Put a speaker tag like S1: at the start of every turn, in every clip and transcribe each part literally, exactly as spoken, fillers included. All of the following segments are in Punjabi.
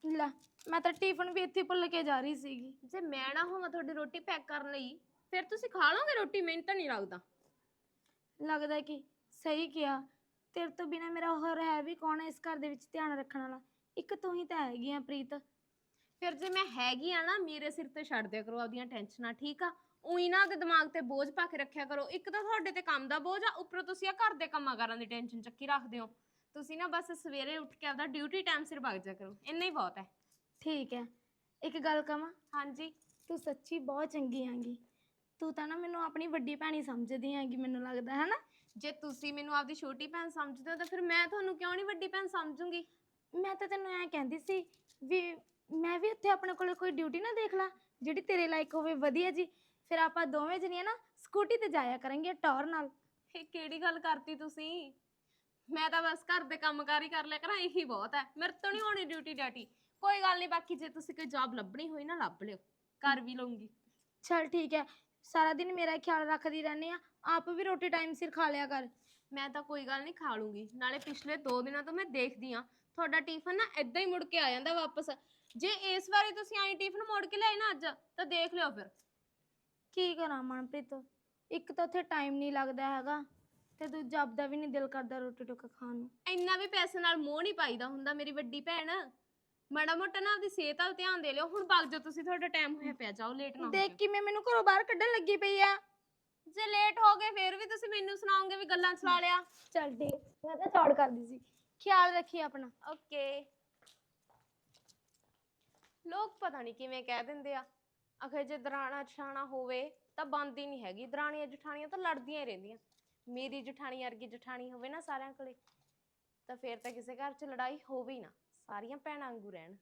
S1: ਲੈ ਮੈਂ ਤਾਂ ਟਿਫਨ ਵੀ ਇੱਥੇ ਭੁੱਲ ਕੇ ਜਾ ਰਹੀ ਸੀਗੀ।
S2: ਜੇ ਮੈਂ ਨਾ ਹੋਵਾਂ ਤੁਹਾਡੀ ਰੋਟੀ ਪੈਕ ਕਰਨ ਲਈ ਫਿਰ ਤੁਸੀਂ ਖਾ ਲਓਗੇ ਰੋਟੀ? ਮੈਨੂੰ ਤਾਂ ਨਹੀਂ ਲੱਗਦਾ।
S1: ਲੱਗਦਾ ਕਿ ਸਹੀ ਕਿਹਾ, ਤੇਰੇ ਤੋਂ ਬਿਨਾ ਮੇਰਾ ਹੋਰ ਹੈ ਵੀ ਕੌਣ ਹੈ ਇਸ ਘਰ ਦੇ ਵਿੱਚ ਧਿਆਨ ਰੱਖਣ ਵਾਲਾ? ਇੱਕ ਤੂੰ ਹੀ ਤਾਂ ਹੈਗੀ ਆ ਪ੍ਰੀਤ।
S2: ਫਿਰ ਜੇ ਮੈਂ ਹੈਗੀ ਆ ਨਾ, ਮੇਰੇ ਸਿਰ ਤੇ ਛੱਡ ਦਿਆ ਕਰੋ ਆਪਦੀਆਂ ਟੈਨਸ਼ਨਾਂ, ਠੀਕ ਆ? ਉਹੀ ਨਾ ਉਹਦੇ ਦਿਮਾਗ ਤੇ ਬੋਝ ਪਾ ਕੇ ਰੱਖਿਆ ਕਰੋ। ਇੱਕ ਤਾਂ ਤੁਹਾਡੇ ਤੇ ਕੰਮ ਦਾ ਬੋਝ ਆ, ਉੱਪਰੋਂ ਤੁਸੀਂ ਆ ਘਰ ਦੇ ਕੰਮਾਂ ਕਾਰਾਂ ਦੀ ਟੈਨਸ਼ਨ ਚੱਕੀ ਰੱਖਦੇ ਹੋ। ਤੁਸੀਂ ਨਾ ਬਸ ਸਵੇਰੇ ਉੱਠ ਕੇ ਆਪਦਾ ਡਿਊਟੀ ਟਾਈਮ ਸਿਰ ਵਗ ਜਾ ਕਰੋ, ਇੰਨਾ ਹੀ ਬਹੁਤ ਹੈ।
S1: ਠੀਕ ਹੈ, ਇੱਕ ਗੱਲ ਕਵਾਂ?
S2: ਹਾਂਜੀ।
S1: ਤੂੰ ਸੱਚੀ ਬਹੁਤ ਚੰਗੀ ਹੈਗੀ। ਤੂੰ ਤਾਂ ਨਾ ਮੈਨੂੰ ਆਪਣੀ ਵੱਡੀ ਭੈਣੀ ਸਮਝਦੀ ਹੈਗੀ, ਮੈਨੂੰ ਲੱਗਦਾ ਹੈ ਨਾ।
S2: ਜੇ ਤੁਸੀਂ ਮੈਨੂੰ ਆਪਦੀ ਛੋਟੀ ਭੈਣ ਸਮਝਦੇ ਹੋ ਤਾਂ ਫਿਰ ਮੈਂ ਤੁਹਾਨੂੰ ਕਿਉਂ ਨਹੀਂ ਵੱਡੀ ਭੈਣ ਸਮਝੂੰਗੀ?
S1: ਮੈਂ ਤਾਂ ਤੈਨੂੰ ਐਂ ਕਹਿੰਦੀ ਸੀ ਵੀ ਮੈਂ ਵੀ ਉੱਥੇ ਆਪਣੇ ਕੋਲ ਕੋਈ ਡਿਊਟੀ ਨਾ ਦੇਖ ਲਾ ਜਿਹੜੀ ਤੇਰੇ ਲਾਇਕ ਹੋਵੇ, ਵਧੀਆ ਜੀ। ਫਿਰ ਆਪਾਂ ਦੋਵੇਂ ਜਣੀਆਂ ਨਾ ਸਕੂਟੀ ਤੇ ਜਾਇਆ ਕਰਾਂਗੇ ਟੌਰ ਨਾਲ।
S2: ਇਹ ਕਿਹੜੀ ਗੱਲ ਕਰਤੀ ਤੁਸੀਂ? ਮੈਂ ਤਾਂ ਬਸ ਘਰ ਦੇ ਕੰਮਕਾਰ ਹੀ ਕਰ ਲਿਆ ਕਰਾਂ, ਇਹੀ ਬਹੁਤ ਹੈ। ਮੇਰੇ ਤੋਂ ਨਹੀਂ ਹੋਣੀ ਡਿਊਟੀ ਡਾਟੀ। ਕੋਈ ਗੱਲ ਨਹੀਂ, ਬਾਕੀ ਜੇ ਤੁਸੀਂ ਕੋਈ ਜੌਬ ਲੱਭਣੀ ਹੋਈ ਨਾ ਲੱਭ ਲਿਓ, ਕਰ ਵੀ ਲਊਂਗੀ।
S1: ਚਲ ਠੀਕ ਹੈ, ਸਾਰਾ ਦਿਨ ਮੇਰਾ ਖਿਆਲ ਰੱਖਦੀ ਰਹਿੰਦੀ ਆ, ਆਪ ਵੀ ਰੋਟੀ ਟਾਈਮ ਸਿਰ ਖਾ ਲਿਆ ਕਰ।
S2: ਮੈਂ ਤਾਂ ਕੋਈ ਗੱਲ ਨਹੀਂ, ਖਾ ਲੂੰਗੀ। ਨਾਲੇ ਪਿਛਲੇ ਦੋ ਦਿਨਾਂ ਤੋਂ ਮੈਂ ਦੇਖਦੀ ਆ ਤੁਹਾਡਾ ਟਿਫਨ ਨਾ ਏਦਾਂ ਹੀ ਮੁੜ ਕੇ ਆ ਜਾਂਦਾ ਵਾਪਸ। ਜੇ ਇਸ ਵਾਰੀ ਤੁਸੀਂ ਆਈ ਟਿਫਨ ਮੋੜ ਕੇ ਲਿਆਏ ਨਾ ਅੱਜ, ਤਾਂ ਦੇਖ ਲਿਓ ਫਿਰ।
S1: ਕੀ ਕਰਾਂ ਮਨਪ੍ਰੀਤ, ਇੱਕ ਤਾਂ ਉੱਥੇ ਟਾਈਮ ਨਹੀਂ ਲੱਗਦਾ ਹੈਗਾ ਤੇ ਦੂਜਾ ਆਪਦਾ ਵੀ ਨਹੀਂ ਦਿਲ ਕਰਦਾ ਰੋਟੀ ਟੁੱਕ ਖਾਣ ਨੂੰ।
S2: ਇੰਨਾ ਵੀ ਪੈਸੇ ਨਾਲ ਮੋਹ ਨਹੀਂ ਪਾਈਦਾ ਹੁੰਦਾ ਮੇਰੀ ਵੱਡੀ ਭੈਣ। ਮਾੜਾ ਮੋਟਾ ਨਾ ਆਪਦੀ ਸਿਹਤ ਵੱਲ ਧਿਆਨ ਦੇ ਲਿਓ। ਹੁਣ ਵਗ ਜਾਓ ਤੁਸੀਂ, ਤੁਹਾਡਾ ਟਾਈਮ ਹੋਇਆ ਪਿਆ, ਜਾਓ, ਲੇਟ ਨਾ ਹੋ
S1: ਦੇਖ
S2: ਜਾਓ।
S1: ਕਿਵੇਂ ਮੈਨੂੰ ਘਰੋਂ ਬਾਹਰ ਕੱਢਣ ਲੱਗੀ ਪਈ ਆ।
S2: ਜੇ ਲੇਟ ਹੋ ਗਏ ਫਿਰ ਵੀ ਤੁਸੀਂ ਮੈਨੂੰ ਸੁਣਾਓਗੇ ਵੀ ਗੱਲਾਂ ਚਲਾ ਲਿਆ।
S1: ਚੱਲ ਠੀਕ, ਮੈਂ ਤਾਂ ਚੌੜ ਕਰਦੀ ਸੀ। ਖਿਆਲ ਰੱਖੀ ਆਪਣਾ।
S2: ਓਕੇ। ਲੋਕ ਪਤਾ ਨਹੀਂ ਕਿਵੇਂ ਕਹਿ ਦਿੰਦੇ ਆ, ਅਖੇ ਜੇ ਦਰਾਣਾ ਜਠਾਣਾ ਹੋਵੇ ਤਾਂ ਬਣਦੀ ਨਹੀਂ ਹੈਗੀ। ਦਰਾਣੀਆਂ ਜਠਾਣੀਆਂ ਤਾਂ ਲੜਦੀਆਂ ਹੀ ਰਹਿੰਦੀਆਂ। ਮੇਰੀ ਜਠਾਣੀ ਵਰਗੀ ਜਠਾਣੀ ਹੋਵੇ ਨਾ ਸਾਰਿਆਂ ਕੋਲੇ, ਤਾਂ ਫਿਰ ਤਾਂ ਕਿਸੇ ਘਰ 'ਚ ਲੜਾਈ ਹੋਵੇ ਹੀ ਨਾ, ਸਾਰੀਆਂ ਭੈਣਾਂ ਵਾਂਗੂ ਰਹਿਣ।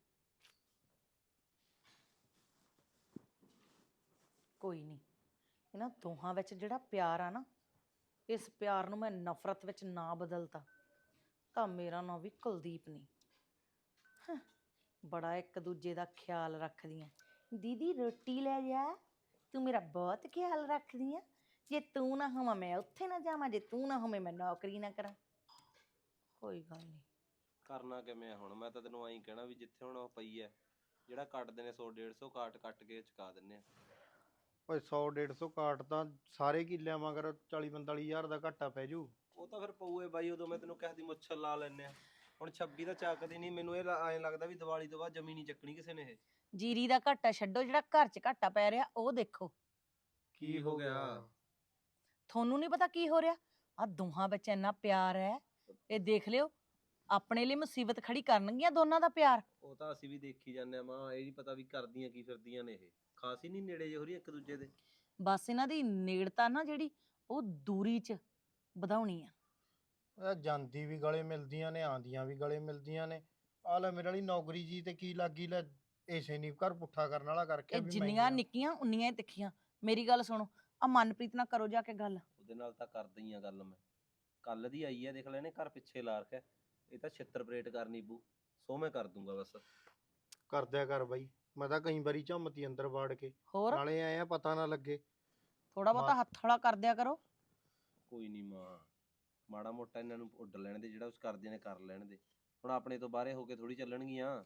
S3: ਕੋਈ ਨਹੀਂ, ਇਹਨਾਂ ਦੋਹਾਂ ਵਿੱਚ ਜਿਹੜਾ ਪਿਆਰ ਆ ਨਾ, ਇਸ ਪਿਆਰ ਨੂੰ ਮੈਂ ਨਫ਼ਰਤ ਵਿੱਚ ਨਾ ਬਦਲਤਾ ਤਾਂ ਮੇਰਾ ਨਾਂ ਵੀ ਕੁਲਦੀਪ ਨਹੀਂ। ਹਾਂ, ਬੜਾ ਇੱਕ ਦੂਜੇ ਦਾ ਖਿਆਲ ਰੱਖਦੀਆਂ। ਦੀਦੀ ਰੋਟੀ ਲੈ ਜਾ, ਤੂੰ ਮੇਰਾ ਬਹੁਤ ਖਿਆਲ ਰੱਖਦੀ ਆ। ਜੇ ਤੂੰ ਨਾ ਹੋਵਾਂ ਮੈਂ ਉੱਥੇ ਨਾ ਜਾਵਾਂ, ਜੇ ਤੂੰ ਨਾ ਹੋਵੇਂ ਮੈਂ ਨੌਕਰੀ ਨਾ ਕਰਾਂ। ਕੋਈ ਗੱਲ ਨਹੀਂ।
S4: ਕਰਨਾ ਕਿਵੇਂ ਹੁਣ? ਮੈਂ ਤਾਂ ਤੈਨੂੰ ਐਂ ਕਹਿਣਾ ਵੀ ਜਿੱਥੇ ਹੁਣ ਉਹ ਪਈ ਐ, ਜਿਹੜਾ ਕੱਟਦੇ ਨੇ ਸੌ ਡੇਢ ਸੌ ਕਾਟ ਕੱਟ ਕੇ ਚੁਕਾ ਦਿੰਨੇ ਆ।
S5: ਓਏ ਸੌ ਡੇਢ ਸੌ ਕਾਟ ਤਾਂ ਸਾਰੇ ਕਿੱਲਿਆਂ ਮਗਰ ਚਾਲੀ ਪੰਤਾਲੀ ਹਜ਼ਾਰ ਦਾ ਘਾਟਾ ਪੈ ਜੂ।
S4: ਉਹ ਤਾਂ ਫਿਰ ਪਊਏ ਬਾਈ, ਉਦੋਂ ਮੈਂ ਤੈਨੂੰ ਕਿਹਾ ਸੀ ਮੁੱਛਰ ਲਾ ਲੈਨੇ ਆ। ਹੁਣ ਛੱਬੀ ਤਾਂ ਚੱਕਦੀ ਨਹੀਂ। ਮੈਨੂੰ ਇਹ ਐਂ ਲੱਗਦਾ ਵੀ ਦੀਵਾਲੀ ਤੋਂ ਬਾਅਦ ਜ਼ਮੀਨ ਨਹੀਂ ਚੱਕਣੀ ਕਿਸੇ ਨੇ ਇਹ।
S3: ਜੀਰੀ ਦਾ ਘਾਟਾ ਛੱਡੋ, ਜਿਹੜਾ ਘਰ 'ਚ ਘਾਟਾ ਪੈ ਰਿਹਾ ਉਹ ਦੇਖੋ।
S4: ਕੀ ਹੋ ਗਿਆ?
S3: ਤੁਹਾਨੂੰ ਨਹੀਂ ਪਤਾ ਕੀ ਹੋ ਰਿਹਾ? ਆ ਦੋਹਾਂ ਵਿੱਚ ਇੰਨਾ ਪਿਆਰ ਹੈ, ਇਹ ਦੇਖ ਲਿਓ। ਆਪਣੇ ਲਈ ਮੁਸੀਬਤ ਖੜੀ ਕਰਨਗੀਆਂ ਦੋਨਾਂ ਦਾ ਪਿਆਰ।
S4: ਉਹ ਤਾਂ ਅਸੀਂ ਵੀ ਦੇਖੀ ਜਾਂਦੇ ਆ ਮਾਂ, ਇਹ ਨਹੀਂ ਪਤਾ ਵੀ ਕਰਦੀਆਂ ਕੀ ਫਿਰਦੀਆਂ ਨੇ ਇਹ। ਖਾਸ ਹੀ ਨਹੀਂ ਨੇੜੇ ਜਿਹੇ ਹੋ ਰਹੀ ਇੱਕ ਦੂਜੇ ਦੇ।
S3: ਬਸ ਇਹਨਾਂ ਦੀ ਨੇੜਤਾ ਨਾ ਜਿਹੜੀ, ਉਹ ਦੂਰੀ 'ਚ ਵਧਾਉਣੀ ਆ।
S5: ਇਹ ਜਾਂਦੀ ਵੀ ਗਲੇ ਮਿਲਦੀਆਂ ਨੇ, ਆਂਦੀਆਂ ਵੀ ਗਲੇ ਮਿਲਦੀਆਂ ਨੇ। ਆ ਲੈ ਮੇਰੇ ਵਾਲੀ ਨੌਕਰੀ ਜੀ ਤੇ ਕੀ ਲੱਗੀ ਲੈ, ਇਸੇ ਨਹੀਂ ਘਰ ਪੁੱਠਾ ਕਰਨ ਵਾਲਾ ਕਰਕੇ
S3: ਇਹ
S5: ਵੀ
S3: ਜਿੰਨੀਆਂ ਨਿੱਕੀਆਂ ਉਨੀਆਂ ਹੀ ਤਿੱਖੀਆਂ। ਮੇਰੀ ਗੱਲ ਸੁਣੋ, ਆ ਮਨਪ੍ਰੀਤ ਨਾਲ ਕਰੋ ਜਾ ਕੇ ਗੱਲ।
S4: ਉਹਦੇ ਨਾਲ ਤਾਂ ਕਰਦਾ ਹੀ ਆ ਗੱਲ ਮੈਂ। ਕੱਲ ਦੀ ਆਈ ਆ, ਦੇਖ ਲੈ ਇਹਨੇ ਘਰ ਪਿੱਛੇ ਲਾ ਰੱਖਿਆ। ਇਹ ਤਾਂ ਛਿੱਤਰ ਪਰੇਡ ਕਰਨੀ ਬੂ, ਸੋ ਮੈਂ ਕਰ ਦੂੰਗਾ ਬਸ।
S5: ਕਰਦਿਆ ਕਰ ਬਾਈ, ਮੈਂ ਤਾਂ ਕਈ ਵਾਰੀ ਝੰਮਤੀ ਅੰਦਰ ਵਾੜ ਕੇ,
S3: ਹੋਰ
S5: ਨਾਲੇ ਆਏ ਆ ਪਤਾ ਨਾ ਲੱਗੇ।
S3: ਥੋੜਾ ਬਹੁਤਾ ਹੱਥ ਹੌਲਾ ਕਰ ਦਿਆ ਕਰੋ।
S4: ਕੋਈ ਨਹੀਂ ਮਾਂ, ਮਾੜਾ ਮੋਟਾ ਇਹਨਾਂ ਨੂੰ ਉੱਡ ਲੈਣ ਦੇ, ਜਿਹੜਾ ਉਸ ਕਰਦੇ ਨੇ ਕਰ ਲੈਣ ਦੇ। ਹੁਣ ਆਪਣੇ ਤੋਂ ਬਾਹਰੇ ਹੋ ਕੇ ਥੋੜੀ ਚੱਲਣਗੀਆਂ।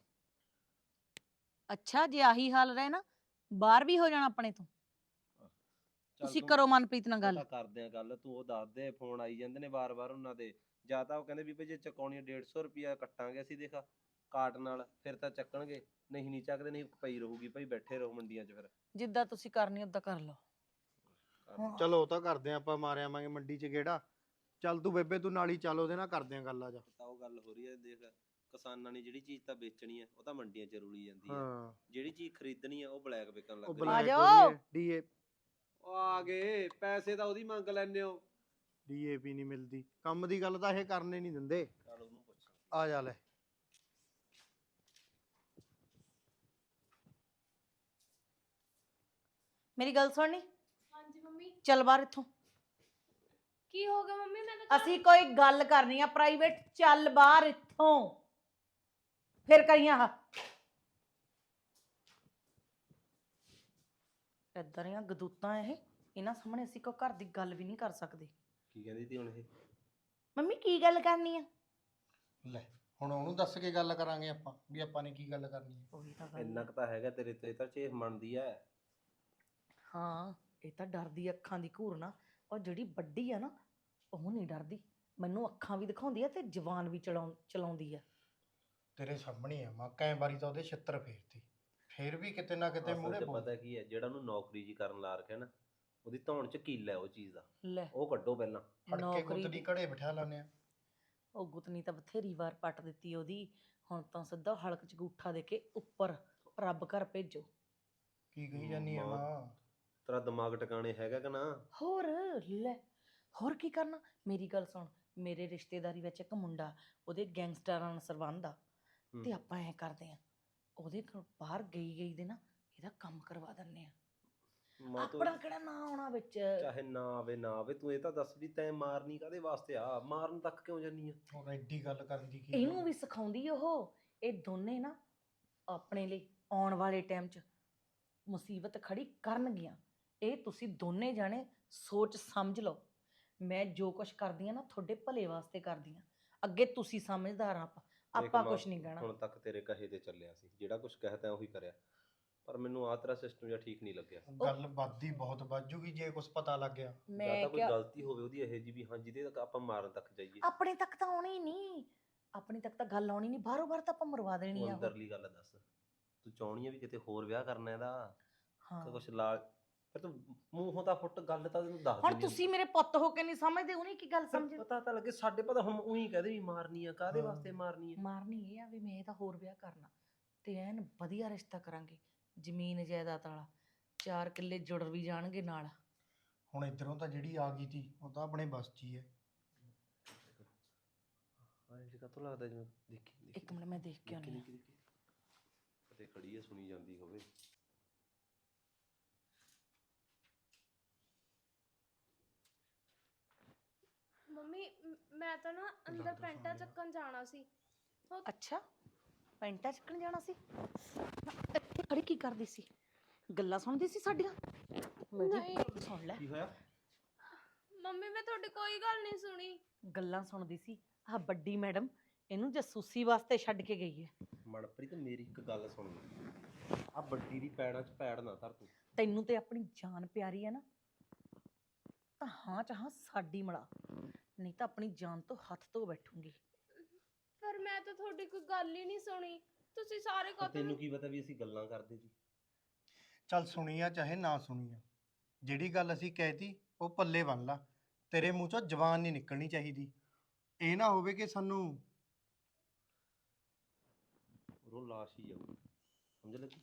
S3: ਅੱਛਾ, ਜੇ ਆਹੀ ਹਾਲ ਰਹੇ ਨਾ, ਬਾਹਰ ਵੀ ਹੋ ਜਾਣਾ ਆਪਣੇ ਤੋਂ। ਤੁਸੀਂ ਕਰੋ ਮਨਪ੍ਰੀਤ ਨਾਲ ਗੱਲ।
S4: ਕਰਦੇ ਆ ਗੱਲ, ਤੂੰ ਉਹ ਦੱਸ ਦੇ। ਫੋਨ ਆਈ ਜਾਂਦੇ ਨੇ ਵਾਰ-ਵਾਰ ਉਹਨਾਂ ਦੇ। ਜਾਂ ਤਾਂ ਉਹ ਕਹਿੰਦੇ ਵੀ ਭਾਈ ਜੇ ਚੁਕਾਉਣੀ ਡੇਢ ਸੌ ਰੁਪਇਆ ਕੱਟਾਂਗੇ ਅਸੀਂ, ਦੇਖ ਕਾਟ ਨਾਲ, ਫਿਰ ਤਾਂ ਚੱਕਣਗੇ। ਨਹੀਂ ਨਹੀਂ ਚੱਕਦੇ, ਨਹੀਂ ਪਈ ਰਹੂਗੀ ਭਾਈ, ਬੈਠੇ ਰਹੋ ਮੰਡੀਆਂ 'ਚ। ਫਿਰ
S3: ਜਿੱਦਾਂ ਤੁਸੀਂ ਕਰਨੀ ਓਦਾਂ ਕਰ ਲਓ।
S5: ਚਲੋ ਉਹ ਤਾਂ ਕਰਦੇ ਆ, ਆਪਾਂ ਮਾਰ ਆਵਾਂਗੇ ਮੰਡੀ 'ਚ ਗੇੜਾ। ਚੱਲ ਤੂੰ ਬੇਬੇ, ਤੂੰ ਨਾਲ ਹੀ ਚੱਲ, ਉਹਦੇ ਨਾਲ ਕਰਦੇ ਆ ਗੱਲ। ਆ ਜਾ।
S4: ਤਾਂ ਉਹ ਗੱਲ ਹੋ ਰਹੀ ਹੈ, ਦੇਖ ਕਿਸਾਨਾਂ ਨੇ ਜਿਹੜੀ ਚੀਜ਼ ਤਾਂ ਵੇਚਣੀ ਹੈ ਉਹ ਤਾਂ ਮੰਡੀਆਂ 'ਚ ਰੁਲੀ ਜਾਂਦੀ ਹੈ।
S5: ਹਾਂ,
S4: ਜਿਹੜੀ ਚੀਜ਼ ਖਰੀਦਣੀ ਹੈ ਉਹ ਬਲੈਕ ਵਿਕਣ ਲੱਗ
S5: ਉਹ
S4: ਜਾਂਦੀ
S3: ਆ
S5: ਬਲੈਕ
S3: ਜਾਓ।
S5: ਡੀਏ
S4: ਉਹ ਆ ਗਏ ਪੈਸੇ ਤਾਂ ਉਹਦੀ ਮੰਗ ਲੈਂਦੇ ਹੋ।
S5: ਡੀਏਪੀ ਨਹੀਂ ਮਿਲਦੀ, ਕੰਮ ਦੀ ਗੱਲ ਤਾਂ ਇਹ ਕਰਨੇ ਨਹੀਂ ਦਿੰਦੇ।
S4: ਚੱਲ ਉਹਨੂੰ ਪੁੱਛ।
S5: ਆ ਜਾ ਲੈ।
S3: ਮੇਰੀ ਗੱਲ ਸੁਣਨੀ,
S2: ਹਾਂਜੀ ਮੰਮੀ।
S3: ਚੱਲ ਬਾਹਰ ਇੱਥੋਂ।
S2: ਕੀ ਹੋ ਗਿਆ ਮੰਮੀ? ਮੈਂ ਤਾਂ
S3: ਅਸੀਂ ਕੋਈ ਗੱਲ ਕਰਨੀ ਆ ਪ੍ਰਾਈਵੇਟ, ਚੱਲ ਬਾਹਰ ਇੱਥੋਂ। ਫਿਰ ਕਰੀਆਂ ਹਾ ਏਦਾਂ ਦੀਆਂ ਗਦੂਤਾਂ। ਇਹ ਇਹਨਾਂ ਸਾਹਮਣੇ ਅਸੀਂ ਕੋਈ ਘਰ ਦੀ ਗੱਲ ਵੀ ਨਹੀਂ ਕਰ ਸਕਦੇ।
S4: ਕੀ ਕਹਿੰਦੀ ਤੀ ਹੁਣ ਇਹ?
S3: ਮੰਮੀ ਕੀ ਗੱਲ ਕਰਨੀ ਆ?
S5: ਲੈ ਹੁਣ ਉਹਨੂੰ ਦੱਸ ਕੇ ਗੱਲ ਕਰਾਂਗੇ ਆਪਾਂ ਵੀ ਆਪਾਂ ਨੇ ਕੀ ਗੱਲ ਕਰਨੀ ਹੈ।
S3: ਉਹੀ ਤਾਂ ਗੱਲ
S4: ਇੰਨਾ
S3: ਹੈ।
S4: ਕੁ ਤਾਂ ਹੈਗਾ ਤੇਰੇ ਤੇ ਤਾਂ ਚੇਹ ਮੰਨਦੀ ਐ।
S3: ਹਾਂ ਇਹ ਤਾਂ ਡਰਦੀ ਅੱਖਾਂ ਦੀ ਘੂਰ ਨਾ, ਔਰ ਜਿਹੜੀ ਵੱਡੀ ਆ ਨਾ ਉਹ ਨਹੀਂ ਡਰਦੀ, ਮੈਨੂੰ ਅੱਖਾਂ ਵੀ ਦਿਖਾਉਂਦੀ ਆ ਤੇ ਜ਼ੁਬਾਨ ਵੀ ਚਲਾਉਂ ਚਲਾਉਂਦੀ ਆ।
S5: ਤੇਰੇ ਸਾਹਮਣੇ ਆ ਮਾਂ, ਕਈ ਵਾਰੀ ਤਾਂ ਉਹਦੇ ਛਿੱਤਰ ਫੇਰਤੀ, ਫੇਰ ਵੀ ਕਿਤੇ ਨਾ ਕਿਤੇ
S4: ਅਸਲ
S5: ਮੂਹਰੇ
S4: 'ਚ
S5: ਬੋਲ।
S4: ਪਤਾ ਕੀ ਹੈ, ਜਿਹੜਾ ਉਹਨੂੰ ਨੌਕਰੀ ਜੀ ਕਰਨ ਲਾ ਰੱਖਿਆ ਨਾ, ਉਹਦੀ ਧੌਣ 'ਚ ਕੀਲਾ ਹੈ ਉਹ ਚੀਜ਼ ਦਾ।
S3: ਲੈ
S4: ਉਹ ਕੱਢੋ ਪਹਿਲਾਂ।
S5: ਫੜ ਕੇ
S3: ਨੌਕਰੀ
S5: ਗੁੱਤੜੀ
S3: ਦੀ-
S5: ਘੜੇ ਬਿਠਾ ਲੈਂਦੇ ਆ।
S3: ਉਹ ਗੁੱਤਨੀ ਤਾਂ ਬਥੇਰੀ ਵਾਰ ਪੱਟ ਦਿੱਤੀ ਉਹਦੀ, ਹੁਣ ਤਾਂ ਸਿੱਧਾ ਹਲਕ ਚ ਗੂਠਾ ਦੇ ਕੇ ਉੱਪਰ ਰੱਬ ਘਰ ਭੇਜੋ।
S5: ਕੀ ਕਹੀ ਜਾਨੀ ਆ
S4: ਮਾਂ,
S5: ਮਾਂ?
S4: ਤੇਰਾ ਦਿਮਾਗ ਟਿਕਾਣੇ ਹੈਗਾ ਕਿ ਨਾ?
S3: ਹੋਰ ਲੈ, ਹੋਰ ਕੀ ਕਰਨਾ। ਮੇਰੀ ਗੱਲ ਸੁਣ, ਮੇਰੇ ਰਿਸ਼ਤੇਦਾਰੀ ਵਿੱਚ ਇੱਕ ਮੁੰਡਾ, ਉਹਦੇ ਗੈਂਗਸਟਰਾਂ ਨਾਲ ਸੰਬੰਧ ਆ,
S4: ਹੂੰ।
S3: ਤੇ ਆਪਾਂ ਐ ਕਰਦੇ ਆ, ਉਹਦੇ ਘਰ ਬਾਹਰ ਗਈ ਗਈ ਦੇ ਨਾ ਇਹਦਾ ਕੰਮ ਕਰਵਾ ਦਿੰਨੇ ਆ।
S4: ਮਾਂ ਤੂੰ
S3: ਆਪਣਾ ਕਿਹੜਾ ਨਾ ਆਉਣਾ ਵਿੱਚ।
S4: ਚਾਹੇ ਨਾ ਆਵੇ ਨਾ ਆਵੇ, ਤੂੰ ਇਹ ਤਾਂ ਦੱਸ ਵੀ ਤੈਂ ਮਾਰਨੀ ਕਾਹਦੇ ਵਾਸਤੇ ਆ? ਮਾਰਨ ਤੱਕ ਕਿਉਂ ਜਾਨੀ ਆ?
S5: ਹੁਣ ਐਡੀ ਗੱਲ ਕਰਨ ਦੀ ਕੀ
S3: ਇਹਨੂੰ
S5: ਲੋੜ?
S3: ਵੀ ਸਿਖਾਉਂਦੀ ਉਹ। ਇਹ ਦੋਨੇ ਨਾ ਆਪਣੇ ਲਈ ਆਉਣ ਵਾਲੇ ਟਾਈਮ 'ਚ ਮੁਸੀਬਤ ਖੜੀ ਕਰਨਗੀਆਂ। ਇਹ ਤੁਸੀਂ ਦੋਨੇ ਜਾਣੇ ਸੋਚ ਸਮਝ ਲਓ। ਮੈਂ ਜੋ ਕੁਛ ਕਰਦੀ ਆ ਨਾ ਤੁਹਾਡੇ ਭਲੇ ਵਾਸਤੇ ਕਰਦੀ ਆ। ਅੱਗੇ ਤੁਸੀਂ ਸਮਝਦਾਰ ਆ, ਆਪਾਂ
S4: ਦੇਖ
S3: ਆਪਾਂ
S4: ਮਾਂ,
S3: ਕੁਛ ਨਹੀਂ ਕਹਿਣਾ।
S4: ਹੁਣ ਤੱਕ ਤੇਰੇ ਕਹੇ ਤੇ ਚੱਲਿਆ ਸੀ, ਜਿਹੜਾ ਕੁਝ ਕਹਿਤਾ ਉਹੀ ਕਰਿਆ, ਪਰ ਮੈਨੂੰ ਆਹ ਤੇਰਾ ਸਿਸਟਮ ਜਿਹਾ ਠੀਕ ਨਹੀਂ ਲੱਗਿਆ।
S5: ਗੱਲ ਵੱਧਦੀ ਬਹੁਤ ਵੱਧ ਜੂਗੀ ਜੇ ਕੁਝ ਪਤਾ ਲੱਗ ਗਿਆ।
S4: ਜਾਂ
S3: ਮੈਂ
S4: ਤਾਂ ਕੋਈ
S3: ਕਿਹਾ
S4: ਗਲਤੀ ਹੋਵੇ ਉਹਦੀ ਇਹ ਜੀ ਵੀ ਹਾਂ ਜਿਹਦੇ ਤੱਕ ਆਪਾਂ ਮਾਰਨ ਤੱਕ ਜਾਈਏ।
S3: ਆਪਣੇ ਤੱਕ ਤਾਂ ਆਉਣੀ ਨਹੀਂ, ਆਪਣੇ ਤੱਕ ਤਾਂ ਗੱਲ ਆਉਣੀ ਨਹੀਂ, ਬਾਹਰੋਂ ਬਾਹਰ ਤਾਂ ਆਪਾਂ ਮਰਵਾ ਦੇਣੀ
S4: ਤੂੰ
S3: ਆ ਉਹ।
S4: ਅੰਦਰਲੀ ਗੱਲ ਦੱਸ, ਤੂੰ ਚਾਹਣੀ ਆ ਵੀ ਕਿਤੇ ਹੋਰ ਵਿਆਹ ਕਰਨਾ ਇਹਦਾ?
S3: ਹਾਂ
S4: ਕੁਛ ਲਾ, ਫਿਰ ਤੂੰ ਮੂੰਹੋਂ ਤਾਂ ਫੁੱਟ, ਗੱਲ ਤਾਂ ਤੈਨੂੰ ਦੱਸ
S3: ਹੁਣ
S4: ਦਿੰਦੀ
S3: ਤੁਸੀਂ ਮੇਰੇ ਪੁੱਤ ਹੋ ਕੇ ਨਹੀਂ ਸਮਝਦੇ, ਉਹਨੇ ਕੀ ਗੱਲ ਸਮਝ।
S4: ਪਤਾ ਤਾਂ ਲੱਗੇ, ਸਾਡੇ ਪਤਾ ਹੁਣ ਉਹੀ ਕਹਦੇ ਵੀ ਮਾਰਨੀ ਆ, ਕਾਹਦੇ
S5: ਹਾਂ।
S4: ਵਾਸਤੇ ਮਾਰਨੀ ਆ?
S3: ਮਾਰਨੀ ਇਹ ਆ ਵੀ ਮੈਂ ਇਹਦਾ ਹੋਰ ਵਿਆਹ ਕਰਨਾ, ਤੇ ਐਨ ਵਧੀਆ ਰਿਸ਼ਤਾ ਕਰਾਂਗੇ, ਜ਼ਮੀਨ ਜਾਇਦਾਦ ਵਾਲਾ, ਚਾਰ ਕਿੱਲੇ ਜੁੜ ਵੀ ਜਾਣਗੇ ਨਾਲ।
S5: ਹੁਣ ਇਧਰੋਂ ਤਾਂ ਜਿਹੜੀ ਆ ਗਈ ਤੀ ਉਹ ਤਾਂ ਆਪਣੇ ਬਸ 'ਚ ਹੀ ਹੈ।
S4: ਹਾਂ ਇਹ ਕਾ ਤੋਂ ਲੱਗਦਾ ਜਿਵੇਂ ਦੇਖੀ ਦੇਖੀ
S3: ਇੱਕ ਮਿੰਟ ਮੈਂ ਦੇਖ ਕੇ
S4: ਦੇਖੀ
S3: ਆਉਂਦੀ
S4: ਦੇਖੀ ਦੇਖੀ ਕਦੇ ਖੜੀ ਹੈ, ਸੁਣੀ ਜਾਂਦੀ ਹੋਵੇ।
S2: ਮੰਮੀ ਮ- ਮੈਂ ਤਾਂ ਨਾ ਅੰਦਰ
S5: ਲੱਗਦਾ
S2: ਪੈਂਟਾਂ
S5: ਸੋਹਣੀ ਆ।
S2: ਚੱਕਣ ਜਾਣਾ ਸੀ।
S3: ਅੱਛਾ, ਪੈਂਟਾਂ ਚੱਕਣ ਜਾਣਾ ਸੀ? ਨਾ, ਇੱਥੇ ਖੜੀ ਕੀ ਕਰਦੀ ਸੀ? ਗੱਲਾਂ ਸੁਣਦੀ ਸੀ ਸਾਡੀਆਂ? ਮੇਰੀ
S2: ਨਹੀਂ।
S3: ਗੱਲ ਸੁਣ ਲੈ।
S4: ਕੀ ਹੋਇਆ?
S2: ਮੰਮੀ ਮੈਂ ਤੁਹਾਡੀ ਕੋਈ ਗੱਲ ਨਹੀਂ ਸੁਣੀ।
S3: ਗੱਲਾਂ ਸੁਣਦੀ ਸੀ। ਆਹ ਵੱਡੀ ਮੈਡਮ ਇਹਨੂੰ ਜਸੂਸੀ ਵਾਸਤੇ ਛੱਡ ਕੇ ਗਈ ਹੈ।
S4: ਮਨਪ੍ਰੀਤ ਮੇਰੀ ਇੱਕ ਗੱਲ ਸੁਣ, ਆ ਵੱਡੀ ਦੀ ਪੈੜਾਂ 'ਚ ਪੈੜ ਨਾ ਧਰ ਤੂੰ।
S3: ਤੈਨੂੰ ਤੇ ਆਪਣੀ ਜਾਨ ਪਿਆਰੀ ਹੈ ਨਾ, ਤਾਂ ਹਾਂ ਚਾਹਾਂ ਸਾਡੀ ਮਿਲਾ, ਨਹੀਂ ਤਾਂ ਆਪਣੀ ਜਾਨ ਤੋਂ ਹੱਥ ਧੋ ਬੈਠੂੰਗੀ।
S2: ਪਰ ਮੈਂ ਤਾਂ ਤੁਹਾਡੀ ਕੋਈ ਗੱਲ ਹੀ ਨਹੀਂ ਸੁਣੀ। ਤੁਸੀਂ ਸਾਰੇ
S4: ਪਰ
S2: ਕਦੋਂ
S4: ਤੈਨੂੰ ਕੀ ਪਤਾ ਵੀ ਅਸੀਂ ਗੱਲਾਂ ਕਰਦੇ ਸੀ?
S5: ਚੱਲ ਸੁਣੀ ਆ ਚਾਹੇ ਨਾ ਸੁਣੀ ਆ, ਜਿਹੜੀ ਗੱਲ ਅਸੀਂ ਕਹਿਤੀ ਉਹ ਪੱਲੇ ਬੰਨ ਲਾ। ਤੇਰੇ ਮੂੰਹ ਚੋਂ ਜ਼ਬਾਨ ਨਹੀਂ ਨਿਕਲਣੀ ਚਾਹੀਦੀ। ਇਹ ਨਾ ਹੋਵੇ ਕਿ ਸਾਨੂੰ
S4: ਉਹ ਲਾਸ਼ ਹੀ ਜਾਊ, ਸਮਝ ਲੱਗੀ?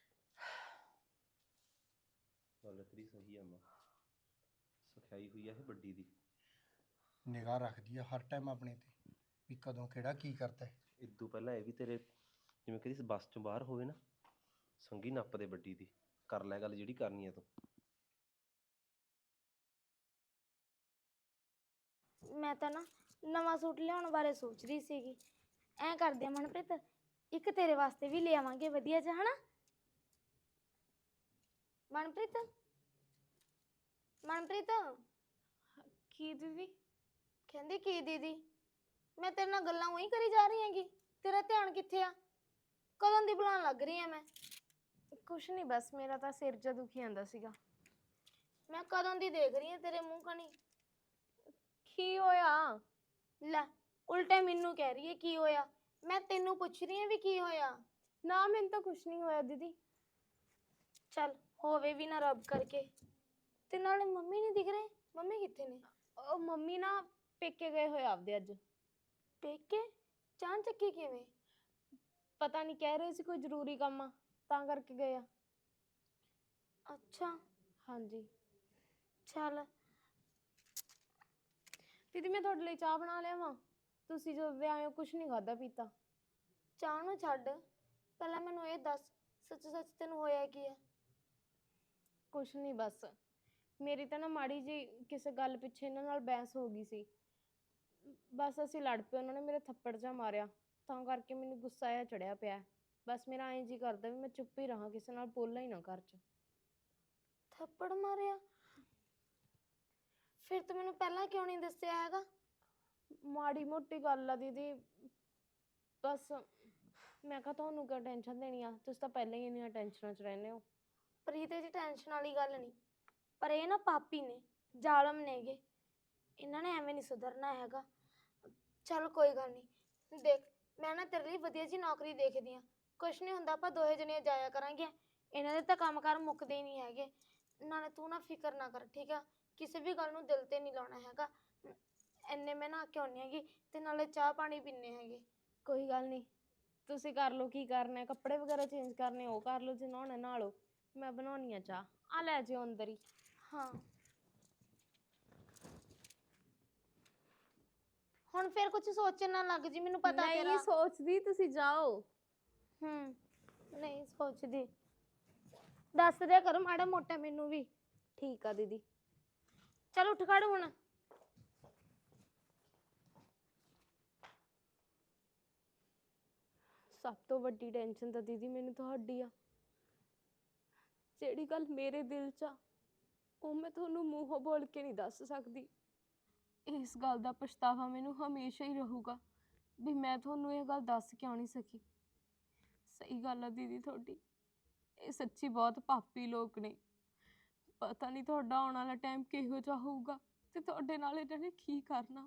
S4: ਗੱਲ ਤੇਰੀ ਸਹੀ ਆ ਮਾਂ, ਸਖਿਆਈ ਹੋਈ ਆ ਇਹ ਵੱਡੀ ਦੀ।
S5: ਨਿਗਾਹ ਰੱਖਦੀ ਆ ਹਰ ਟਾਈਮ ਆਪਣੇ ਤੇ ਵੀ ਕਦੋਂ ਕਿਹੜਾ ਕੀ ਕਰਦਾ ਹੈ।
S4: ਇਦੋਂ ਪਹਿਲਾਂ ਇਹ ਵੀ ਤੇਰੇ ਜਿਵੇਂ ਕਦੀ ਬੱਸ ਚੋਂ ਬਾਹਰ ਹੋਵੇ ਨਾ, ਸੰਗੀ ਨੱਪ ਦੇ ਵੱਡੀ ਦੀ, ਕਰ ਲੈ ਗੱਲ ਜਿਹੜੀ ਕਰਨੀ ਆ ਤੂੰ।
S1: ਮੈਂ ਤਾਂ ਨਾ ਨਵਾਂ ਸੂਟ ਲਿਆਉਣ ਬਾਰੇ ਸੋਚ ਰਹੀ ਸੀਗੀ। ਐਂ ਕਰਦੇ ਆ ਮਨਪ੍ਰੀਤ, ਇੱਕ ਤੇਰੇ ਵਾਸਤੇ ਵੀ ਲੈ ਆਵਾਂਗੇ ਵਧੀਆ ਜਿਹਾ, ਹਨਾ ਮਨਪ੍ਰੀਤ? ਮਨਪ੍ਰੀਤ
S2: ਕੀ ਦੀਦੀ?
S1: ਕਹਿੰਦੀ ਕੀ ਦੀਦੀ? ਮੈਂ ਤੇਰੇ ਨਾਲ ਗੱਲਾਂ ਉਹੀ ਕਰੀ ਜਾ ਰਹੀ ਹੈਗੀ, ਤੇਰਾ ਧਿਆਨ ਕਿੱਥੇ ਆ? ਕਦੋਂ ਦੀ ਬੁਲਾਉਣ ਲੱਗ ਰਹੀ ਆ ਮੈਂ?
S2: ਕੁਛ ਨਹੀਂ, ਬਸ ਮੇਰਾ ਤਾਂ ਸਿਰ ਜਿਹਾ ਦੁਖੀ ਜਾਂਦਾ ਸੀਗਾ।
S1: ਮੈਂ ਕਦੋਂ ਦੀ ਦੇਖ ਰਹੀ ਆ ਤੇਰੇ ਮੂੰਹ ਕਣੀ।
S2: ਕੀ ਹੋਇਆ?
S1: ਲੈ ਉਲਟੇ ਮੈਨੂੰ ਕਹਿ ਰਹੀ ਹੈ ਕੀ ਹੋਇਆ। ਮੈਂ ਤੈਨੂੰ ਪੁੱਛ ਰਹੀ ਹਾਂ ਵੀ ਕੀ ਹੋਇਆ।
S2: ਨਾ ਮੈਨੂੰ ਤਾਂ ਕੁਛ ਨਹੀਂ ਹੋਇਆ ਦੀਦੀ।
S1: ਚੱਲ ਹੋਵੇ ਵੀ ਨਾ ਰੱਬ ਕਰਕੇ। ਤੇ ਨਾਲੇ ਮੰਮੀ ਨਹੀਂ ਦਿਖ ਰਹੇ, ਮੰਮੀ ਕਿੱਥੇ ਨੇ?
S2: ਉਹ ਮੰਮੀ ਨਾ ਪੇਕੇ ਗਏ ਹੋਏ ਆਪਦੇ ਅੱਜ।
S1: ਪੇਕੇ? ਚਾਂ ਚੱਕੀ ਕਿਵੇਂ?
S2: ਪਤਾ ਨਹੀਂ, ਕਹਿ ਰਹੇ ਸੀ ਕੋਈ ਜ਼ਰੂਰੀ ਕੰਮ ਆ ਤਾਂ ਕਰਕੇ ਗਏ ਆ।
S1: ਅੱਛਾ
S2: ਹਾਂਜੀ
S1: ਚੱਲ।
S2: ਦੀਦੀ ਮੈਂ ਤੁਹਾਡੇ ਲਈ ਚਾਹ ਬਣਾ ਲਿਆਵਾਂ? ਤੁਸੀਂ ਜਦੋਂ ਦੇ ਆਏ ਹੋ ਕੁਛ ਨਹੀਂ ਖਾਧਾ ਪੀਤਾ।
S1: ਚਾਹ ਨੂੰ ਛੱਡ, ਪਹਿਲਾਂ ਮੈਨੂੰ ਇਹ ਦੱਸ ਸੱਚ ਸੱਚ ਤੈਨੂੰ ਹੋਇਆ ਕੀ ਹੈ?
S2: ਕੁਛ ਨਹੀਂ, ਬਸ ਮੇਰੀ ਤਾਂ ਨਾ ਮਾੜੀ ਜੀ ਕਿਸੇ ਗੱਲ ਪਿੱਛੇ ਇਹਨਾਂ ਨਾਲ ਬਹਿਸ ਹੋ ਗਈ ਸੀ। ਬਸ ਅਸੀਂ ਲੜ ਪਏ, ਉਹਨਾਂ ਨੇ ਮੇਰੇ ਥੱਪੜ ਜਿਹਾ ਮਾਰਿਆ, ਤਾਂ ਕਰਕੇ ਮੈਨੂੰ ਗੁੱਸਾ ਆਇਆ ਚੜਿਆ ਪਿਆ। ਬਸ ਮੇਰਾ ਐਂ ਜੀ ਕਰਦਾ ਵੀ ਮੈਂ ਚੁੱਪ ਹੀ ਰਹਾਂ, ਕਿਸੇ ਨਾਲ ਬੋਲਾਂ ਹੀ ਨਾ ਘਰ 'ਚ।
S1: ਥੱਪੜ ਮਾਰਿਆ? ਫਿਰ ਤੂੰ ਮੈਨੂੰ ਪਹਿਲਾਂ ਕਿਉਂ ਨਹੀਂ ਦੱਸਿਆ ਹੈਗਾ?
S2: ਮਾੜੀ ਮੋਟੀ ਗੱਲ ਆ ਦੀਦੀ, ਬਸ ਮੈਂ ਕਿਹਾ ਤੁਹਾਨੂੰ ਕਿਉਂ ਟੈਨਸ਼ਨ ਦੇਣੀ ਆ, ਤੁਸੀਂ ਤਾਂ ਪਹਿਲਾਂ ਹੀ ਇੰਨੀਆਂ ਟੈਨਸ਼ਨਾਂ 'ਚ ਰਹਿੰਦੇ ਹੋ।
S1: ਪ੍ਰੀਤ ਜੀ ਟੈਨਸ਼ਨ ਵਾਲੀ ਗੱਲ ਨਹੀਂ, ਪਰ ਇਹ ਨਾ ਪਾਪੀ ਨੇ, ਜ਼ਾਲਮ ਨੇਗੇ, ਇਹਨਾਂ ਨੇ ਐਵੇਂ ਨਹੀਂ ਸੁਧਰਨਾ ਹੈਗਾ। ਚਲ ਕੋਈ ਗੱਲ ਨਹੀਂ, ਦੇਖ ਮੈਂ ਨਾ ਤੇਰੇ ਲਈ ਵਧੀਆ ਜੀ ਨੌਕਰੀ ਦੇਖਦੀ ਆ, ਕੁਛ ਨਹੀਂ ਹੁੰਦਾ, ਆਪਾਂ ਦੋਹੇ ਜਣੀਆਂ ਜਾਇਆ ਕਰਾਂਗੇ। ਇਹਨਾਂ ਦੇ ਤਾਂ ਕੰਮਕਾਰ ਮੁੱਕਦੇ ਹੀ ਨਹੀਂ ਹੈਗੇ। ਨਾਲੇ ਤੂੰ ਨਾ ਫਿਕਰ ਨਾ ਕਰ, ਠੀਕ ਆ, ਕਿਸੇ ਵੀ ਗੱਲ ਨੂੰ ਦਿਲ ਤੇ ਨਹੀਂ ਲਾਉਣਾ ਹੈਗਾ। ਇੰਨੇ ਮੈਂ ਨਹਾ ਕੇ ਆਉਂਦੀ ਹੈਗੀ ਤੇ ਨਾਲੇ ਚਾਹ ਪਾਣੀ ਪੀਣੇ ਹੈਗੇ।
S2: ਕੋਈ ਗੱਲ ਨਹੀਂ, ਤੁਸੀਂ ਕਰ ਲਓ ਕੀ ਕਰਨਾ ਹੈ, ਕੱਪੜੇ ਵਗੈਰਾ ਚੇਂਜ ਕਰਨੇ ਉਹ ਕਰ ਲਓ, ਜੇ ਨਹਾਉਣਾ ਨਹਾ ਲਓ, ਮੈਂ ਬਣਾਉਣੀ ਆ ਚਾਹ, ਆ ਲੈ ਜਿਓ ਅੰਦਰ ਹੀ।
S1: ਹਾਂ ਹੁਣ ਫਿਰ ਕੁਝ ਸੋਚਣ ਨਾ ਲੱਗ ਜੀ, ਮੈਨੂੰ ਪਤਾ
S2: ਨਹੀਂ
S1: ਤੇਰਾ।
S2: ਸੋਚਦੀ, ਤੁਸੀਂ ਜਾਓ।
S1: ਹੂੰ ਨਹੀਂ ਸੋਚਦੀ, ਦੱਸ ਦਿਆ ਕਰੋ ਮਾੜਾ ਮੋਟਾ ਮੈਨੂੰ ਵੀ।
S2: ਠੀਕ ਆ ਦੀਦੀ।
S1: ਚਲ ਉੱਠ ਖੜ ਹੁਣ।
S2: ਸਭ ਤੋਂ ਵੱਡੀ ਟੈਨਸ਼ਨ ਤਾਂ ਦੀਦੀ ਮੈਨੂੰ ਤੁਹਾਡੀ ਆ। ਜਿਹੜੀ ਗੱਲ ਮੇਰੇ ਦਿਲ 'ਚ ਆ ਉਹ ਮੈਂ ਤੁਹਾਨੂੰ ਮੂੰਹੋਂ ਬੋਲ ਕੇ ਨਹੀਂ ਦੱਸ ਸਕਦੀ। ਇਸ ਗੱਲ ਦਾ ਪਛਤਾਵਾ ਮੈਨੂੰ ਹਮੇਸ਼ਾ ਹੀ ਰਹੂਗਾ ਵੀ ਮੈਂ ਤੁਹਾਨੂੰ ਇਹ ਗੱਲ ਦੱਸ ਕਿਉਂ ਨਹੀਂ ਸਕੀ। ਸਹੀ ਗੱਲ ਆ ਦੀਦੀ ਤੁਹਾਡੀ, ਇਹ ਸੱਚੀ ਬਹੁਤ ਪਾਪੀ ਲੋਕ ਨੇ। ਪਤਾ ਨਹੀਂ ਤੁਹਾਡਾ ਆਉਣ ਵਾਲਾ ਟਾਈਮ ਕਿਹੋ ਜਿਹਾ ਹੋਊਗਾ ਤੇ ਤੁਹਾਡੇ ਨਾਲ ਇਹਨਾਂ ਨੇ ਕੀ ਕਰਨਾ।